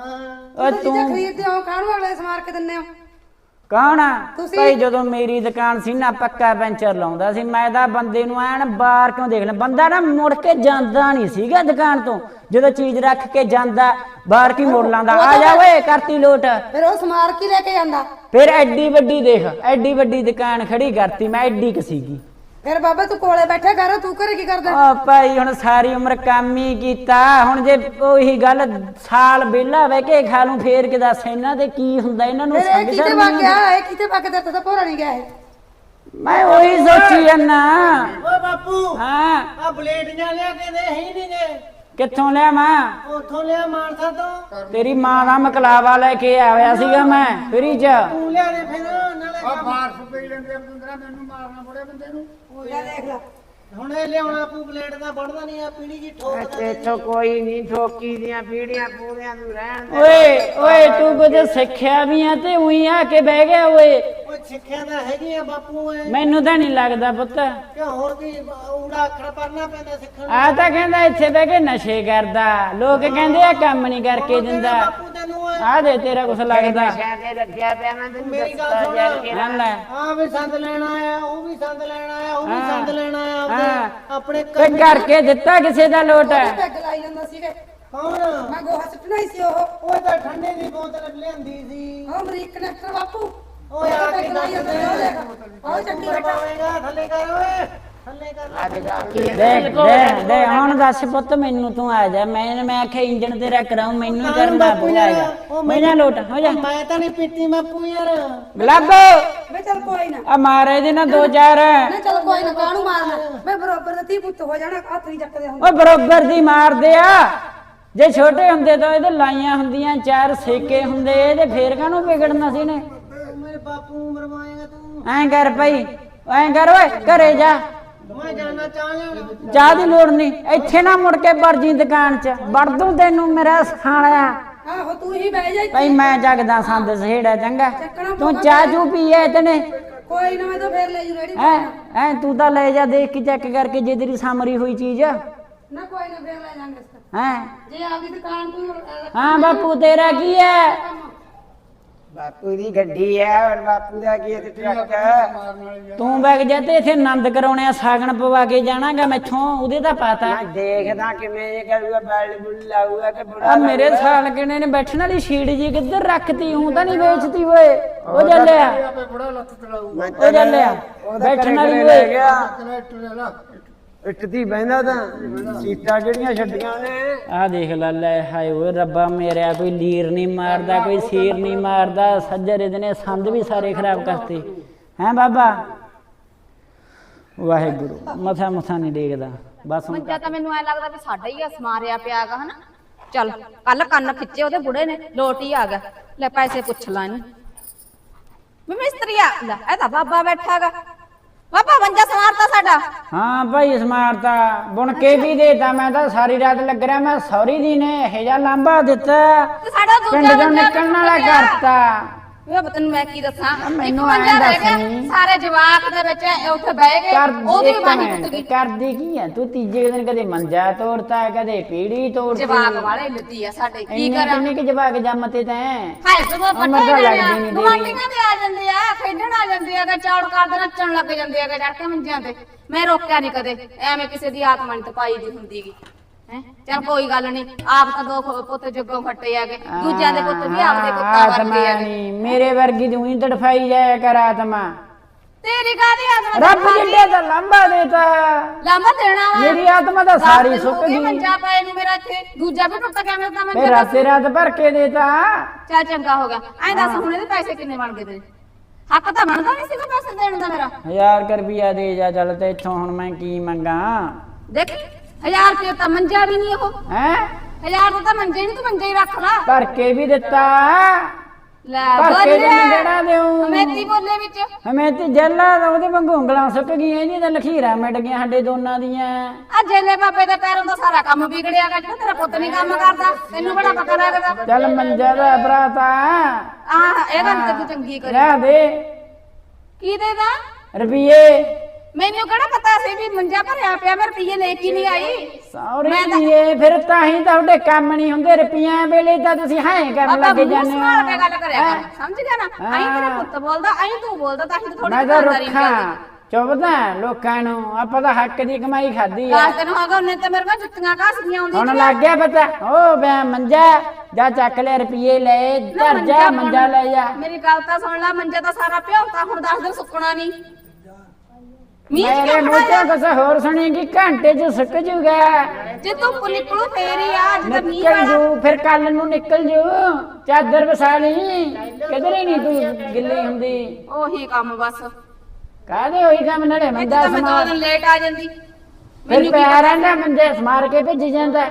ਹਾਂ
ਓ
ਤੂੰ
ਤੂੰ
ਖਰੀਦਦੇ ਹੋ ਕਾਹਨੂੰ ਅਗਲੇ ਸਮਾਰ ਕੇ ਦਿੰਦੇ ਹੋ।
ਕੌਣ ਆ?
ਤੁਸੀਂ।
ਭਾਈ ਜਦੋਂ ਮੇਰੀ ਦੁਕਾਨ ਸੀ ਨਾ ਪੱਕਾ ਪੈਂਚਰ ਲਾਉਂਦਾ ਸੀ ਮੈਂ ਤਾਂ ਬੰਦੇ ਨੂੰ ਐਨ ਬਾਹਰ ਕਿਉਂ ਦੇਖ ਲੈ। ਬੰਦਾ ਨਾ ਮੁੜ ਕੇ ਜਾਂਦਾ ਨਹੀਂ ਸੀਗਾ ਦੁਕਾਨ ਤੋਂ। ਜਦੋਂ ਚੀਜ਼ ਰੱਖ ਕੇ ਜਾਂਦਾ ਬਾਹਰ ਕੀ ਮੁੜ ਲਾਂਦਾ। ਆ ਜਾ ਓਏ ਕਰਤੀ ਲੋਟ।
ਫਿਰ ਉਹ ਸਮਾਰ ਕੇ ਲੈ ਕੇ ਜਾਂਦਾ।
ਫਿਰ ਐਡੀ ਵੱਡੀ ਦੇਖ, ਐਡੀ ਵੱਡੀ ਦੁਕਾਨ ਖੜੀ ਕਰਤੀ ਮੈਂ, ਐਡੀ ਕ ਸੀਗੀ।
ਫਿਰ ਬਾਬਾ ਤੂੰ ਕੋਲੇ ਬੈਠਾ ਕਰ, ਤੂੰ ਘਰੇ ਕੀ ਕਰਦਾ?
ਆ ਭਾਈ ਹੁਣ ਸਾਰੀ ਉਮਰ ਕੰਮ ਹੀ ਕੀਤਾ। ਹੁਣ ਜੇ ਉਹੀ ਗੱਲ ਸਾਲ ਵਿਹਲਾ ਬਹਿ ਕੇ ਖਾ ਲੂੰ ਫੇਰ ਕਿ ਦੱਸ ਇਹਨਾਂ ਤੇ ਕੀ ਹੁੰਦਾ? ਇਹਨਾਂ ਨੂੰ
ਫਿਰ ਇਹ
ਸਮਝ
ਕਿਤੇ
ਨਹੀਂ
ਵਗ ਗਿਆ
ਆਉਂਦੀ।
ਇਹ ਕਿਤੇ ਵਗ ਗਿਆ ਤਾਂ ਭੋਰਾ ਨਹੀਂ ਗਿਆ ਇਹ।
ਮੈਂ ਉਹੀ ਸੋਚੀ ਜਾਂਦਾ।
ਓਏ ਬਾਪੂ
ਹਾਂ
ਆ ਬਲੇਡੀਆਂ ਲਿਆ ਕੇ ਦੇ ਹੀ ਨਹੀਂ ਗਏ।
ਕਿੱਥੋਂ ਲਿਆ ਮੈਂ?
ਉੱਥੋਂ ਲਿਆ ਮਾਨਸਾ ਤੋਂ।
ਤੇਰੀ ਮਾਂ ਦਾ ਮਕਲਾਵਾ ਲੈ ਕੇ ਆਇਆ ਸੀਗਾ ਮੈਂ ਫਰੀ ਚ।
ਤੂੰ ਲਿਆ ਦੇ ਫਿਰ ਨਾਲੇ
ਆ ਫਾਰਸ ਪਈ ਲੈਂਦੇ ਆ ਬੰਦਰਾ, ਮੈਨੂੰ ਮਾਰਨਾ ਬੜੇ ਬੰਦੇ ਨੂੰ।
ਲੈ ਦੇਖ ਲੈ
ਹੁਣ ਇਹ ਲਿਆਉਣਾ ਪੂ ਬਲੇਡ ਦਾ ਵੜਦਾ ਨਹੀਂ ਆ ਪੀੜੀ ਜੀ ਠੋਕ ਦੇ।
ਇੱਥੋਂ ਕੋਈ ਨਹੀਂ ਠੋਕੀ ਦੀਆਂ ਪੀੜੀਆਂ ਪੂਰਿਆਂ ਨੂੰ ਰਹਿਣ ਦੇ।
ਓਏ ਓਏ ਤੂੰ ਕੁਝ ਸਿੱਖਿਆ ਵੀ ਆ ਤੇ ਉਹੀ ਆ ਕੇ ਬਹਿ ਗਿਆ ਓਏ।
ਓਏ ਸਿੱਖਿਆ ਤਾਂ ਹੈਗੀ ਆ ਬਾਪੂ ਐ
ਮੈਨੂੰ ਤਾਂ ਨਹੀਂ ਲੱਗਦਾ ਪੁੱਤ।
ਕਿ ਹੋਰ ਕੀ ਊੜਾ ਅੱਖਰ ਪੜਨਾ ਪੈਂਦਾ ਸਿੱਖਣ ਨੂੰ।
ਆ ਤਾਂ ਕਹਿੰਦਾ ਇੱਥੇ ਬਹਿ ਕੇ ਨਸ਼ੇ ਕਰਦਾ। ਲੋਕ ਕਹਿੰਦੇ ਆ ਕੰਮ ਨਹੀਂ ਕਰਕੇ ਦਿੰਦਾ।
ਬਾਪੂ ਤੈਨੂੰ ਐ
ਆ ਦੇ ਤੇਰਾ ਕੁਛ ਲੱਗਦਾ।
ਨਸ਼ਿਆਂ ਤੇ ਲੱਗਿਆ ਪਿਆ ਮੈਂ ਤੈਨੂੰ
ਮੇਰੀ ਗੱਲ
ਦੱਸਦਾ
ਸੁਣ।
ਜਾ ਕੇ।
ਲੈ ਲੈ
ਆ ਵੀ ਸੰਦ ਲੈਣਾ ਆ, ਉਹ ਵੀ ਸੰਦ ਲੈਣਾ ਆ, ਉਹ ਵੀ
ਹਾਂ।
ਸੰਦ ਲੈਣਾ ਆ
ਹਾਂ।
ਆਪਦੇ ਆਪਣੇ
ਤੇ ਕਰਕੇ ਦਿੱਤਾ ਕਿਸੇ ਦਾ ਲੋਟ?
ਪੈਗ ਲਾਈ ਜਾਂਦਾ ਸੀਗੇ।
ਕੌਣ?
ਮੈਂ ਗੋਹਾ ਸੁੱਟਣਾ ਹੀ ਸੀ ਉਹ।
ਉਹ ਤਾਂ ਠੰਡੇ ਦੀ ਬੋਤਲ ਲਿਆਂਦੀ ਸੀ।
ਉਹ ਅਮਰੀਕ ਕਨੈਕਟਰ ਬਾਪੂ।
ਓਏ ਆ ਕੇ
ਪੈਗ ਲਾਈ ਜਾਂਦਾ ਸੀ, ਉਹ ਦੇਖ ਉਹ ਚੱਕੀ ਬੈਠਾ।
ਪਾਵੇਂਗਾ ਥੱਲੇ ਕਰ ਓਏ ਥੱਲੇ ਕਰ।
ਅੱਜ ਜਾ ਕੇ
ਦੇਖ ਦੇ ਦੇ ਹੁਣ ਦੱਸ ਪੁੱਤ ਮੈਨੂੰ ਤੂੰ ਆ ਜਾ। ਮੈਂ ਮੈਂ ਆਖਿਆ ਇੰਜਣ ਤੇਰਾ ਕਰਾਉ, ਮੈਨੂੰ ਹੀ ਕਰਨਾ ਪਊਗਾ। ਮੈਨਾਂ ਲੋਟ ਹੋ ਜਾ।
ਮੈਂ ਤਾਂ ਨਹੀਂ ਪੀਤੀ ਬਾਪੂ ਯਾਰ।
ਗਲੱਬ
ਵੇ ਚੱਲ ਕੋਈ ਨਾ
ਆ ਮਾਰੇ ਦੇ ਨਾ ਦੋ ਚਾਰ।
ਨਾ ਚੱਲ ਕੋਈ ਨਾ ਕਾਹਨੂੰ ਮਾਰਨਾ। ਮੈਂ ਬਰੋਬਰ ਦਾ ਧੀ ਪੁੱਤ ਹੋ ਜਾਣਾ ਹੱਥ ਨਹੀਂ ਚੱਕਦੇ ਹੁੰਦੇ।
ਓਏ ਬਰੋਬਰ ਦੀ ਮਾਰਦੇ ਆ। ਜੇ ਛੋਟੇ ਹੁੰਦੇ ਤਾਂ ਇਹਦੇ ਲਾਈਆਂ ਹੁੰਦੀਆਂ ਚਾਰ ਸੇਕੇ ਹੁੰਦੇ ਇਹਦੇ ਫੇਰ ਕਾਹਨੂੰ ਵਿਗੜਨਾ ਸੀ ਨੇ।
ਮੇਰੇ ਬਾਪੂ ਮਰਵਾਏਗਾ ਤੂੰ।
ਐਂ ਕਰ ਭਾਈ, ਐਂ ਕਰ ਓਏ ਘਰੇ ਜਾ।
ਮੈਂ ਜਾਣਾ ਚਾਹ ਲੈਣਾ।
ਚਾਹ ਦੀ ਲੋੜ ਨਹੀਂ, ਇੱਥੇ ਨਾ ਮੁੜ ਕੇ ਵੜ ਜੀ ਦੁਕਾਨ 'ਚ। ਵੜ ਦੂੰ ਤੈਨੂੰ ਮੇਰਾ ਸਾਲਿਆ।
ਆਹੋ ਤੂੰ ਹੀ ਬਹਿ ਜਾ ਇੱਥੇ।
ਭਾਈ ਮੈਂ ਜਗਦਾ ਸੰਦ ਸਹੇੜਾ ਚੰਗਾ। ਤੂੰ ਚਾਹ ਚੂ ਪੀਏ ਤਨੇ
ਕੋਈ ਨਾ ਮੈਂ ਤਾਂ ਫੇਰ ਲੈ ਜੂ ਰੇੜੀ।
ਐ ਐ ਤੂੰ ਤਾਂ ਲੈ ਜਾ ਦੇਖ ਕੇ ਚੈੱਕ ਕਰਕੇ ਜੇ ਤੇਰੀ ਸਾਮਰੀ ਹੋਈ ਚੀਜ਼।
ਨਾ ਕੋਈ ਨਾ ਫੇਰ ਲੈ ਜਾਾਂਗੇ ਇਸ
ਹੈ
ਜੇ ਆਪਦੀ ਦੁਕਾਨ ਤੋਂ
ਹਾਂ ਬਾਪੂ ਤੇਰਾ ਕੀ ਹੈ?
ਬਾਪੂ ਦੀ ਗੱਡੀ ਹੈ ਔਰ ਬਾਪੂ ਦਾ ਕੀ ਹੈ ਤੇ ਟਰੱਕ ਹੈ।
ਤੂੰ ਵਗ ਜਾ ਤੇ ਇੱਥੇ ਆਨੰਦ ਕਰਾਉਣੇ ਆ, ਸਾਗਣ ਪਵਾ ਕੇ ਜਾਣਾਗਾ ਮੈਥੋਂ, ਉਹਦੇ ਤਾਂ ਪਤਾ।
ਮੈਂ ਦੇਖਦਾ ਕਿਵੇਂ ਇਹ ਕਰੂਗਾ, ਬੈਲ ਬੁੱਲ ਲਾਊਗਾ ਕਿ ਬੁੜਾ
ਆ ਮੇਰੇ ਸਾਲ ਕਿਨੇ ਨੇ ਬੈਠਣ ਵਾਲੀ ਸ਼ੀਟ ਜੀ ਕਿੱਧਰ ਰੱਖਤੀ, ਹੂੰ ਤਾਂ ਨਹੀਂ ਵੇਚਤੀ ਓਏ। ਉਹ ਚੱਲਿਆ ਉਹ ਚੱਲਿਆ ਬੈਠਣ ਵਾਲੀ
ਲੈ
ਓਏ।
ਗਿਆ ਇੱਟਦੀ ਬਹਿੰਦਾ ਤਾਂ ਸੀਟਾਂ ਜਿਹੜੀਆਂ ਛੱਡੀਆਂ ਨੇ।
ਆ ਦੇਖ ਲੈ ਲੈ, ਹਾਏ ਓਏ ਰੱਬਾ ਮੇਰਿਆ, ਕੋਈ ਲੀਰ ਨਹੀਂ ਮਾਰਦਾ, ਕੋਈ ਸੀਰ ਨਹੀਂ ਮਾਰਦਾ, ਸੱਜਰ ਇਹਦੇ ਨੇ ਸੰਦ ਵੀ ਸਾਰੇ ਖਰਾਬ ਕਰਤੇ ਹੈ ਬਾਬਾ। ਵਾਹਿਗੁਰੂ ਮਥਾ ਮਥਾ ਨਹੀਂ ਦੇਖਦਾ ਬਸ।
ਮੰਜਾ ਤਾਂ ਮੈਨੂੰ ਐ ਲੱਗਦਾ ਵੀ ਸਾਡਾ ਹੀ ਆ, ਸਮਾਰਿਆ ਪਿਆਗਾ ਹਨਾ। ਚੱਲ ਕੱਲ ਕੰਨ ਖਿੱਚੇ ਉਹਦੇ ਬੁੜੇ ਨੇ, ਲੋਟ ਹੀ ਆ ਗਿਆ। ਲੈ ਪੈਸੇ ਪੁੱਛ ਲਾ ਇਹਨੂੰ ਵੀ ਮਿਸਤਰੀਆ। ਲੈ ਇਹ ਤਾਂ ਬਾਬਾ ਬੈਠਾਗਾ। ਬਾਬਾ ਮੰਜਾ ਸਮਾਰਤਾ ਸਾਡਾ।
ਹਾਂ ਭਾਈ ਸਮਾਰਤਾ, ਬੁਣ ਕੇ ਵੀ ਦੇਤਾ। ਮੈਂ ਤਾਂ ਸਾਰੀ ਰਾਤ ਲੱਗ ਰਿਹਾ, ਮੈਂ ਸੌਰੀ ਦੀ ਨੇ ਇਹ ਜਿਹਾ ਲਾਂਭਾ ਦਿੱਤਾ,
ਤੇ ਸਾਡਾ ਦੂਜਾ
ਪਿੰਡ ਚੋਂ
ਮੰਜਾ
ਨਿਕਲਣ ਵਾਲਾ
ਟੁੱਟ ਗਿਆ।
ਕਰਤਾ।
ਵੇ ਤੈਨੂੰ ਮੈਂ ਕੀ ਦੱਸਾਂ,
ਮੈਨੂੰ
ਇੱਕ
ਐਂ
ਮੰਜਾ ਰਹਿ
ਦੱਸ
ਗਿਆ,
ਨੀ।
ਸਾਰੇ ਜਵਾਕ ਦੇ ਵਿੱਚ ਉੱਥੇ ਬਹਿ ਗਏ,
ਕਰ
ਉਹਦੀ
ਇੱਕ
ਬਾਣੀ
ਮਿੰਟ,
ਟੁੱਟ ਗਈ।
ਕਰਦੀ ਕੀ ਹੈ ਤੂੰ? ਤੀਜੇ ਦਿਨ ਕਦੇ ਮੰਜਾ ਤੋੜਤਾ, ਕਦੇ ਪੀੜੀ ਤੋੜਤੀ।
ਜਵਾਕ ਵਾਲੇ ਲੱਦੀ ਆ ਸਾਡੇ, ਕੀ
ਇੰਨੇ
ਕਰਾਂ?
ਕਿੰਨੇ ਕਿ ਜਵਾਕ ਜੰਮਤੇ ਤੈਂ?
ਹਾਏ ਤੇ ਉਹ
ਉਹ
ਪੱਟੇ
ਮਰਦਾ
ਨੇ
ਲੱਗਦੀ
ਆ,
ਨੀ ਦੇਰੀ।
ਗੁਆਂਢੀਆਂ ਦੇ ਆ ਜਾਂਦੇ ਆ, ਖੇਡਣ ਆ ਜਾਂਦੇ ਆ, ਚੌੜ ਕਰਦੇ ਨੱਚਣ ਲੱਗ ਜਾਂਦੇ ਆ ਚੜ ਕੇ ਮੰਜਿਆਂ ਤੇ। ਮੈਂ ਰੋਕਿਆ ਨਹੀਂ ਕਦੇ, ਐਵੇਂ ਕਿਸੇ ਦੀ ਆਤਮਾ ਨਹੀਂ ਤਪਾਈ ਦੀ ਹੁੰਦੀਗੀ ਹੈ। ਚੱਲ ਕੋਈ ਗੱਲ ਨਹੀਂ, ਆਪ ਤਾਂ ਦੋ ਖੋ- ਪੁੱਤ ਜੱਗੋਂ ਫੱਟੇ ਆਗੇ, ਦੂਜਿਆਂ ਦੇ ਪੁੱਤ ਵੀ ਆਪਦੇ ਪੁੱਤਾਂ ਵਰਗੇ
ਆਤਮਾ
ਆਗੇ।
ਨੀ, ਮੇਰੇ ਵਰਗੀ ਤੂੰ ਹੀ ਤੜਫਾਈ ਜਾਇਆ ਕਰ ਆਤਮਾ।
ਤੇਰੀ ਕਾਹਦੀ ਆਤਮਾ
ਰੱਬ ਜਿੱਡੇ ਦਾ ਲੰਬਾ ਦੇਤਾ,
ਲਾਂਬਾ ਦੇਣਾ ਵਾ।
ਮੇਰੀ ਆਤਮਾ ਤਾਂ
ਦਸ
ਸਾਰੀ
ਦਿਨ ਹੋ
ਸੁੱਕ
ਗਏ
ਗਈ।
ਮੰਜਾ ਪਏ ਨੂੰ ਮੇਰਾ ਇੱਥੇ, ਦੂਜਾ ਵੀ ਟੁੱਟ ਗਿਆ ਮੇਰਾ ਤਾਂ ਮੰਜਾ।
ਫੇਰ ਰਾਤੇ ਰਾਤ ਭਰ ਕੇ ਦੇਤਾ।
ਚੱਲ ਚੰਗਾ ਹੋ ਗਿਆ। ਐਂ ਦੱਸ ਹੁਣ ਇਹਦੇ ਪੈਸੇ ਕਿੰਨੇ ਬਣ ਗਏ ਤੇਰੇ? ਹੱਕ ਤਾਂ ਬਣਦਾ ਨਹੀਂ ਸੀਗਾ ਪੈਸੇ ਦੇਣ ਦਾ ਮੇਰਾ।
ਹਜ਼ਾਰ ਕੁ ਰੁਪਈਆ ਦੇ ਜਾ ਚੱਲ, ਤੇ ਇੱਥੋਂ ਹੁਣ ਮੈਂ ਕੀ ਮੰਗਾ?
ਦੇਖ ਹਜ਼ਾਰ ਰੁਪਏ ਤਾਂ ਮੰਜਾ ਵੀ ਨਹੀਂ ਉਹ,
ਹੈ
ਹਜ਼ਾਰ ਦਾ ਤਾਂ ਮੰਜੇ ਨਹੀਂ, ਤੂੰ ਮੰਜਾ ਹੀ ਰੱਖ ਲਾ।
ਭਰ ਕੇ ਵੀ ਦਿੱਤਾ,
ਲੈ
ਭਰ ਕੇ
ਬੋਲੇ
ਤੈਨੂੰ ਜਿਹੜਾ ਦਿਉ।
ਹਮੇਤੀ ਬੋਲੇ ਵਿੱਚ
ਹਮੇ ਤੇ ਜੱਲਾ ਉਹਦੇ ਵਾਂਗੂ ਉਂਗਲਾਂ ਸੁੱਕ ਗਈਆਂ, ਇਹਦੀਆਂ ਤਾਂ ਲਖੀਰਾਂ ਮਿਟ ਗਈਆਂ ਸਾਡੇ ਦੋਨਾਂ ਦੀਆਂ।
ਆ ਜੇਲੇ ਬਾਬੇ ਦੇ ਪੈਰੋਂ ਦਾ ਸਾਰਾ ਕੰਮ ਵਿਗੜਿਆ ਗਾ, ਜਿਹੜਾ ਤੇਰਾ ਪੁੱਤ ਨਹੀਂ ਕੰਮ ਕਰਦਾ, ਤੈਨੂੰ ਬੜਾ ਪਤਾ ਲੱਗਦਾ।
ਚੱਲ ਮੰਜਾ ਦਾ ਭਰਾਤਾ
ਆਹ ਇਹ ਗੱਲ ਤੇ ਤੂੰ ਚੰਗੀ ਕਰੀ।
ਲੈ ਦੇ
ਕੀ ਦੇਦਾ?
ਰੁਪਈਏ।
ਮੈਨੂੰ ਕਿਹੜਾ ਪਤਾ ਸੀ ਵੀ ਮੰਜਾ ਭਰਿਆ ਪਿਆ, ਮੈਂ ਰੁਪਈਏ ਲੈ ਕੇ ਨਹੀਂ ਆਈ।
ਸੌਰੇ ਦੀਏ, ਫਿਰ ਤਾਂ ਹੀ ਤੁਹਾਡੇ ਕੰਮ ਨਹੀਂ ਹੁੰਦੇ, ਰੁਪਈਆਂ ਵੇਲੇ ਤਾਂ ਤੁਸੀਂ ਹਾਂ ਕਰਨ
ਬਾਬਾ
ਲੱਗ
ਮੂੰਹ
ਜਾਂਦੇ
ਸੰਭਾਲ ਕੇ ਗੱਲ ਕਰਿਆ
ਹੈਂ?
ਕਰ, ਸਮਝ ਗਿਆ ਨਾ? ਆਈ ਤੇਰਾ ਪੁੱਤ ਬੋਲਦਾ, ਆਈ ਤੂੰ ਬੋਲਦਾ, ਤਾਂ ਹੀ ਥੋੜੀ
ਮੈਂ ਤਾਂ ਰੁੱਖਾਂ ਚੁੱਪਦਾ ਲੋਕਾਂ ਨੂੰ, ਆਪਾਂ ਤਾਂ ਹੱਕ ਦੀ ਕਮਾਈ ਖਾਦੀ ਆ।
ਕਾਸ ਦਿਨ ਹੋ ਗਏ ਉਹਨੇ ਤੇ ਮੇਰੇ ਕੋਲ ਜੁੱਤੀਆਂ ਘਸਦੀਆਂ ਆਉਂਦੀਆਂ।
ਹੁਣ ਲੱਗ ਗਿਆ ਪਤਾ, ਓ ਬੈ ਮੰਜਾ ਜਾ ਚੱਕ ਲੈ ਰੁਪਈਏ ਲੈ, ਧਰ ਜਾ ਮੰਜਾ ਲੈ ਜਾ।
ਮੇਰੀ ਗੱਲ ਤਾਂ ਸੁਣ ਲੈ, ਮੰਜਾ ਤਾਂ ਸਾਰਾ ਭਿਉਂਤਾ, ਹੁਣ ਦਸ ਦਿਨ ਸੁੱਕਣਾ ਨਹੀਂ। ਮੀਂਹ ਚ
ਮੇਰੇ
ਕਿਉਂ
ਮੂੰਹ
ਖੜਾਇਆ?
ਤੋਂ ਕੁਛ ਹੋਰ ਸੁਣੇਗੀ, ਘੰਟੇ ਚ ਸੁੱਕ ਜੂਗਾ।
ਜੇ ਧੁੱਪ ਨਿਕਲੂ ਫੇਰ ਹੀ ਆ, ਜਦੋਂ ਮੀਂਹ
ਨਿਕਲ
ਵਾਲਾ।
ਜੂ, ਫਿਰ ਕੱਲ ਨੂੰ ਨਿਕਲ ਜੂ, ਚਾਦਰ ਵਸਾ ਲਈ, ਕਿਧਰੇ ਨਹੀਂ ਤੂੰ ਗਿੱਲੀ ਹੁੰਦੀ।
ਉਹੀ ਕੰਮ ਬਸ।
ਕਾਹਦੇ ਹੋਈ ਕੰਮ ਨਾਲੇ
ਇੱਥੇ
ਮੰਜਾ
ਤਾਂ ਮੈਂ ਦੋ
ਸਮਾਰ,
ਦਿਨ ਲੇਟ ਆ ਜਾਂਦੀ।
ਫਿਰ
ਮੈਨੂੰ ਕੀ
ਪਿਆ ਰਹਿੰਦਾ ਮੰਜੇ ਸਮਾਰ ਕੇ ਭੇਜ ਜਾਂਦਾ।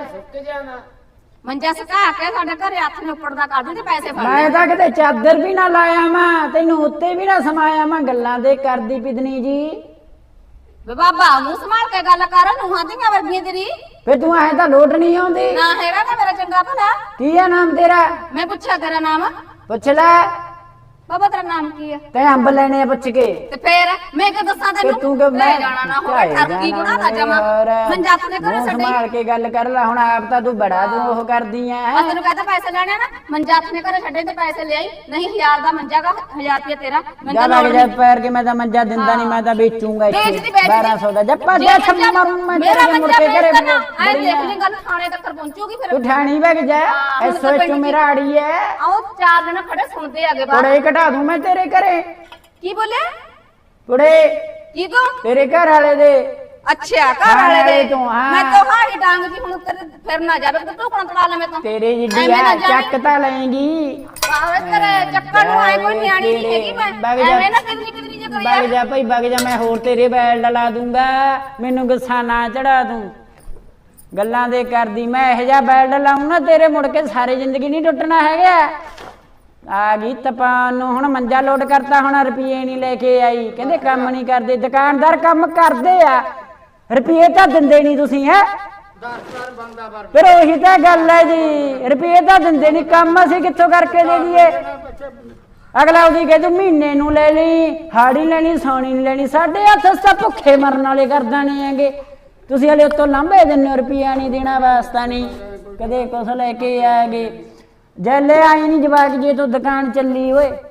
ਮੰਜਾ ਸੁਕਾ ਕੇ ਸਾਡੇ ਘਰੇ ਹੱਥ ਨੇ ਉੱਪਰ ਦਾ ਕੱਢ ਦੇ, ਪੈਸੇ ਫੜ
ਮੈਂ ਤਾਂ ਕਿਤੇ ਚਾਦਰ ਵੀ ਨਾ ਲਾਇਆ ਮੈਂ, ਤੈਨੂੰ ਉੱਤੇ ਵੀ ਨਾ ਸਮਾਇਆ ਮੈਂ, ਗੱਲਾਂ ਦੇ ਕਰਦੀ ਪਿਦਨੀ ਜੀ।
ਵੇ ਬਾਬਾ ਮੂੰਹ ਸੰਭਾਲ ਕੇ ਗੱਲ ਕਰ, ਨੂੰਹਾਂ ਦੀਆਂ ਵਰਗੀਆਂ ਤੇਰੀ
ਫਿਰ ਤੂੰ ਐ ਤਾਂ ਲੋਟ ਨਹੀਂ ਆਉਂਦੀ।
ਨਾ ਹੈਗਾ ਤਾਂ ਮੇਰਾ ਚੰਗਾ ਭਲਾ।
ਕੀ ਆ ਨਾਮ ਤੇਰਾ?
ਮੈਂ ਪੁੱਛਿਆ ਤੇਰਾ ਨਾਮ?
ਪੁੱਛ ਲੈ।
ਬਾਬਾ ਤੇਰਾ ਨਾਮ ਕੀ ਆ?
ਤੇ ਅੰਬ ਲੈਣੇ ਆ ਪੁੱਛ ਕੇ।
ਤੇ ਫੇਰ ਮੈਂ ਕਿ ਦੱਸਾਂ
ਤੇ
ਤੈਨੂੰ?
ਤੂੰ ਕਿ
ਲੈ
ਮੈਂ
ਜਾਣਾ ਨਾ ਹੋਵੇ, ਠਰਕੀ ਗੁਣਾ ਦਾ ਜਮਾ। ਮੰਜਾ ਆਪਣੇ ਘਰੇ ਛੱਡੇ।
ਸੰਭਾਲ ਕੇ ਗੱਲ ਕਰ ਲੈ, ਹੁਣ ਆਪ ਤਾਂ ਤੂੰ ਬੜਾ ਤੂੰ ਉਹ ਕਰਦੀ ਐ।
ਆ ਤੈਨੂੰ ਕਹਿੰਦਾ ਪੈਸੇ ਲੈਣੇ ਆ ਨਾ, ਮੰਜਾ ਆਪਣੇ ਘਰੇ ਛੱਡੇ ਤੇ ਪੈਸੇ ਲੈ ਆਈ, ਨਹੀਂ ਹਜ਼ਾਰ ਦਾ ਮੰਜਾ ਗਾ, ਹਜ਼ਾਰ ਰੁਪਏ ਤੇਰਾ।
ਜਾ
ਮੰਜਾ
ਲੱਗ ਜਾ ਪੈਰ ਕੇ, ਮੈਂ ਤਾਂ ਮੰਜਾ ਦਿੰਦਾ ਨਹੀਂ, ਮੈਂ ਤਾਂ ਵੇਚੂੰਗਾ ਇੱਥੇ
ਵੇਚਦੀ ਵੇਚਦੀ
ਬਾਰਾਂ ਸੌ ਦਾ। ਜੱਪਾ ਜਾ ਛੱਮ ਮਾਰੂ ਮੈਂ
ਮੇਰਾ
ਤੇਰੇ ਮੁੜ
ਮੰਜਾ
ਕੇ ਘਰੇ
ਵੇਚ ਦੇਣਾ। ਐ ਦੇਖ ਲਈ ਗੱਲ ਥਾਣੇ ਤੱਕ ਪਹੁੰਚੂਗੀ ਫਿਰ।
ਤੂੰ ਠਾਣੀ ਵਗ ਜਾ,
ਹਾਂ, ਹੁਣ
ਐਸੋ
ਤਾਂ
ਚ
ਪਿੰਡ
ਮੇਰਾ ਆੜੀ ਐ।
ਆਓ ਚਾਰ ਦਿਨ ਖੜੇ ਸੁਣਦੇ ਆਗੇ ਬਾਹਰ।
ਕੁੜੇ ਘਟਾ ਦੂੰ ਮੈਂ ਤੇਰੇ ਘਰੇ।
ਕੀ ਬੋਲਿਆ?
ਕੁੜੇ
ਕੀ ਕੋ?
ਤੇਰੇ ਘਰ ਵਾਲੇ ਦੇ।
ਅੱਛਾ ਘਰ ਵਾਲੇ ਦੇ
ਤੂੰ, ਹਾਂ।
ਮੈਂ ਤਾਂ ਹਾੜੀ ਡਾਂਗ ਜੀ ਹੁਣ ਤੇਰੇ ਫਿਰ ਨਾ ਜਾਵੇ ਤੇ ਟੋਕਣਾ ਤੜਾ ਲੈ ਮੈਂ ਤਾਂ।
ਤੇਰੇ ਜਿੱਡੀ
ਐਵੇਂ ਨਾ
ਆ
ਜਾਵੀਂ।
ਚੱਕ ਤਾਂ ਲਏਗੀ।
ਆਵੇ ਤੇਰੇ ਚੱਕਰ ਨੂੰ ਆਏ ਕੋਈ ਨਿਆਣੀ ਨਹੀਂ ਹੈਗੀ ਮੈਂ।
ਵਗ ਜਾ।
ਐਵੇਂ ਨਾ ਕਿਦਨੀ ਕਿਦਨੀ ਜੇ ਕਰੀ
ਵਗ ਜਾ ਭਾਈ ਵਗ ਜਾ, ਮੈਂ ਹੋਰ ਤੇਰੇ ਬੈਲ ਡਲਾ ਦੂੰਗਾ, ਮੈਨੂੰ ਗੁੱਸਾ ਨਾ ਚੜਾ ਤੂੰ। ਗੱਲਾਂ ਦੇ ਕਰਦੀ, ਮੈਂ ਇਹੋ ਜਿਹਾ ਬੈਲ ਡਲਾਉਂ ਨਾ ਤੇਰੇ, ਮੁੜ ਕੇ ਸਾਰੇ ਜ਼ਿੰਦਗੀ ਨਹੀਂ ਟੁੱਟਣਾ ਹੈਗਾ। ਆ ਗਈ ਤਪਾਨ ਨੂੰ, ਹੁਣ ਮੰਜਾ ਲੋਡ ਕਰਤਾ, ਹੁਣ ਰੁਪਈਏ ਨਹੀਂ ਲੈ ਕੇ ਆਈ, ਕਹਿੰਦੇ ਕੰਮ ਨਹੀਂ ਕਰਦੇ। ਦੁਕਾਨਦਾਰ ਕੰਮ ਕਰਦੇ ਆ, ਰੁਪਈਏ ਤਾਂ ਦਿੰਦੇ ਨਹੀਂ ਤੁਸੀਂ ਹੈ। ਫਿਰ ਉਹੀ ਤਾਂ ਗੱਲ ਹੈ ਜੀ, ਰੁਪਈਏ ਤਾਂ ਦਿੰਦੇ ਨਹੀਂ, ਕੰਮ ਅਸੀਂ ਕਿੱਥੋਂ ਕਰਕੇ ਦੇ ਦਈਏ? ਅਗਲਾ ਉਹਦੀ ਕਹੇ ਤੂੰ ਮਹੀਨੇ ਨੂੰ ਲੈ ਲਈ, ਹਾੜੀ ਲੈਣੀ, ਸੌਣੀ ਨਹੀਂ ਲੈਣੀ। ਸਾਡੇ ਹੱਥ ਤਾਂ ਭੁੱਖੇ ਮਰਨ ਵਾਲੇ ਕਰਦਾਣੇ ਹੈਗੇ, ਤੁਸੀਂ ਹਲੇ ਉੱਤੋਂ ਲਾਂਭੇ ਦਿੰਦੇ ਹੋ, ਰੁਪਈਆ ਨਹੀਂ ਦੇਣਾ ਵਾਸਤਾ ਨਹੀਂ, ਕਦੇ ਕੁਛ ਲੈ ਕੇ ਆਗੇ। ਜੈਲੇ ਆਈ ਨਹੀਂ ਜਵਾਕ ਜੇ ਤੂੰ ਦੁਕਾਨ ਚੱਲੀ ਓਏ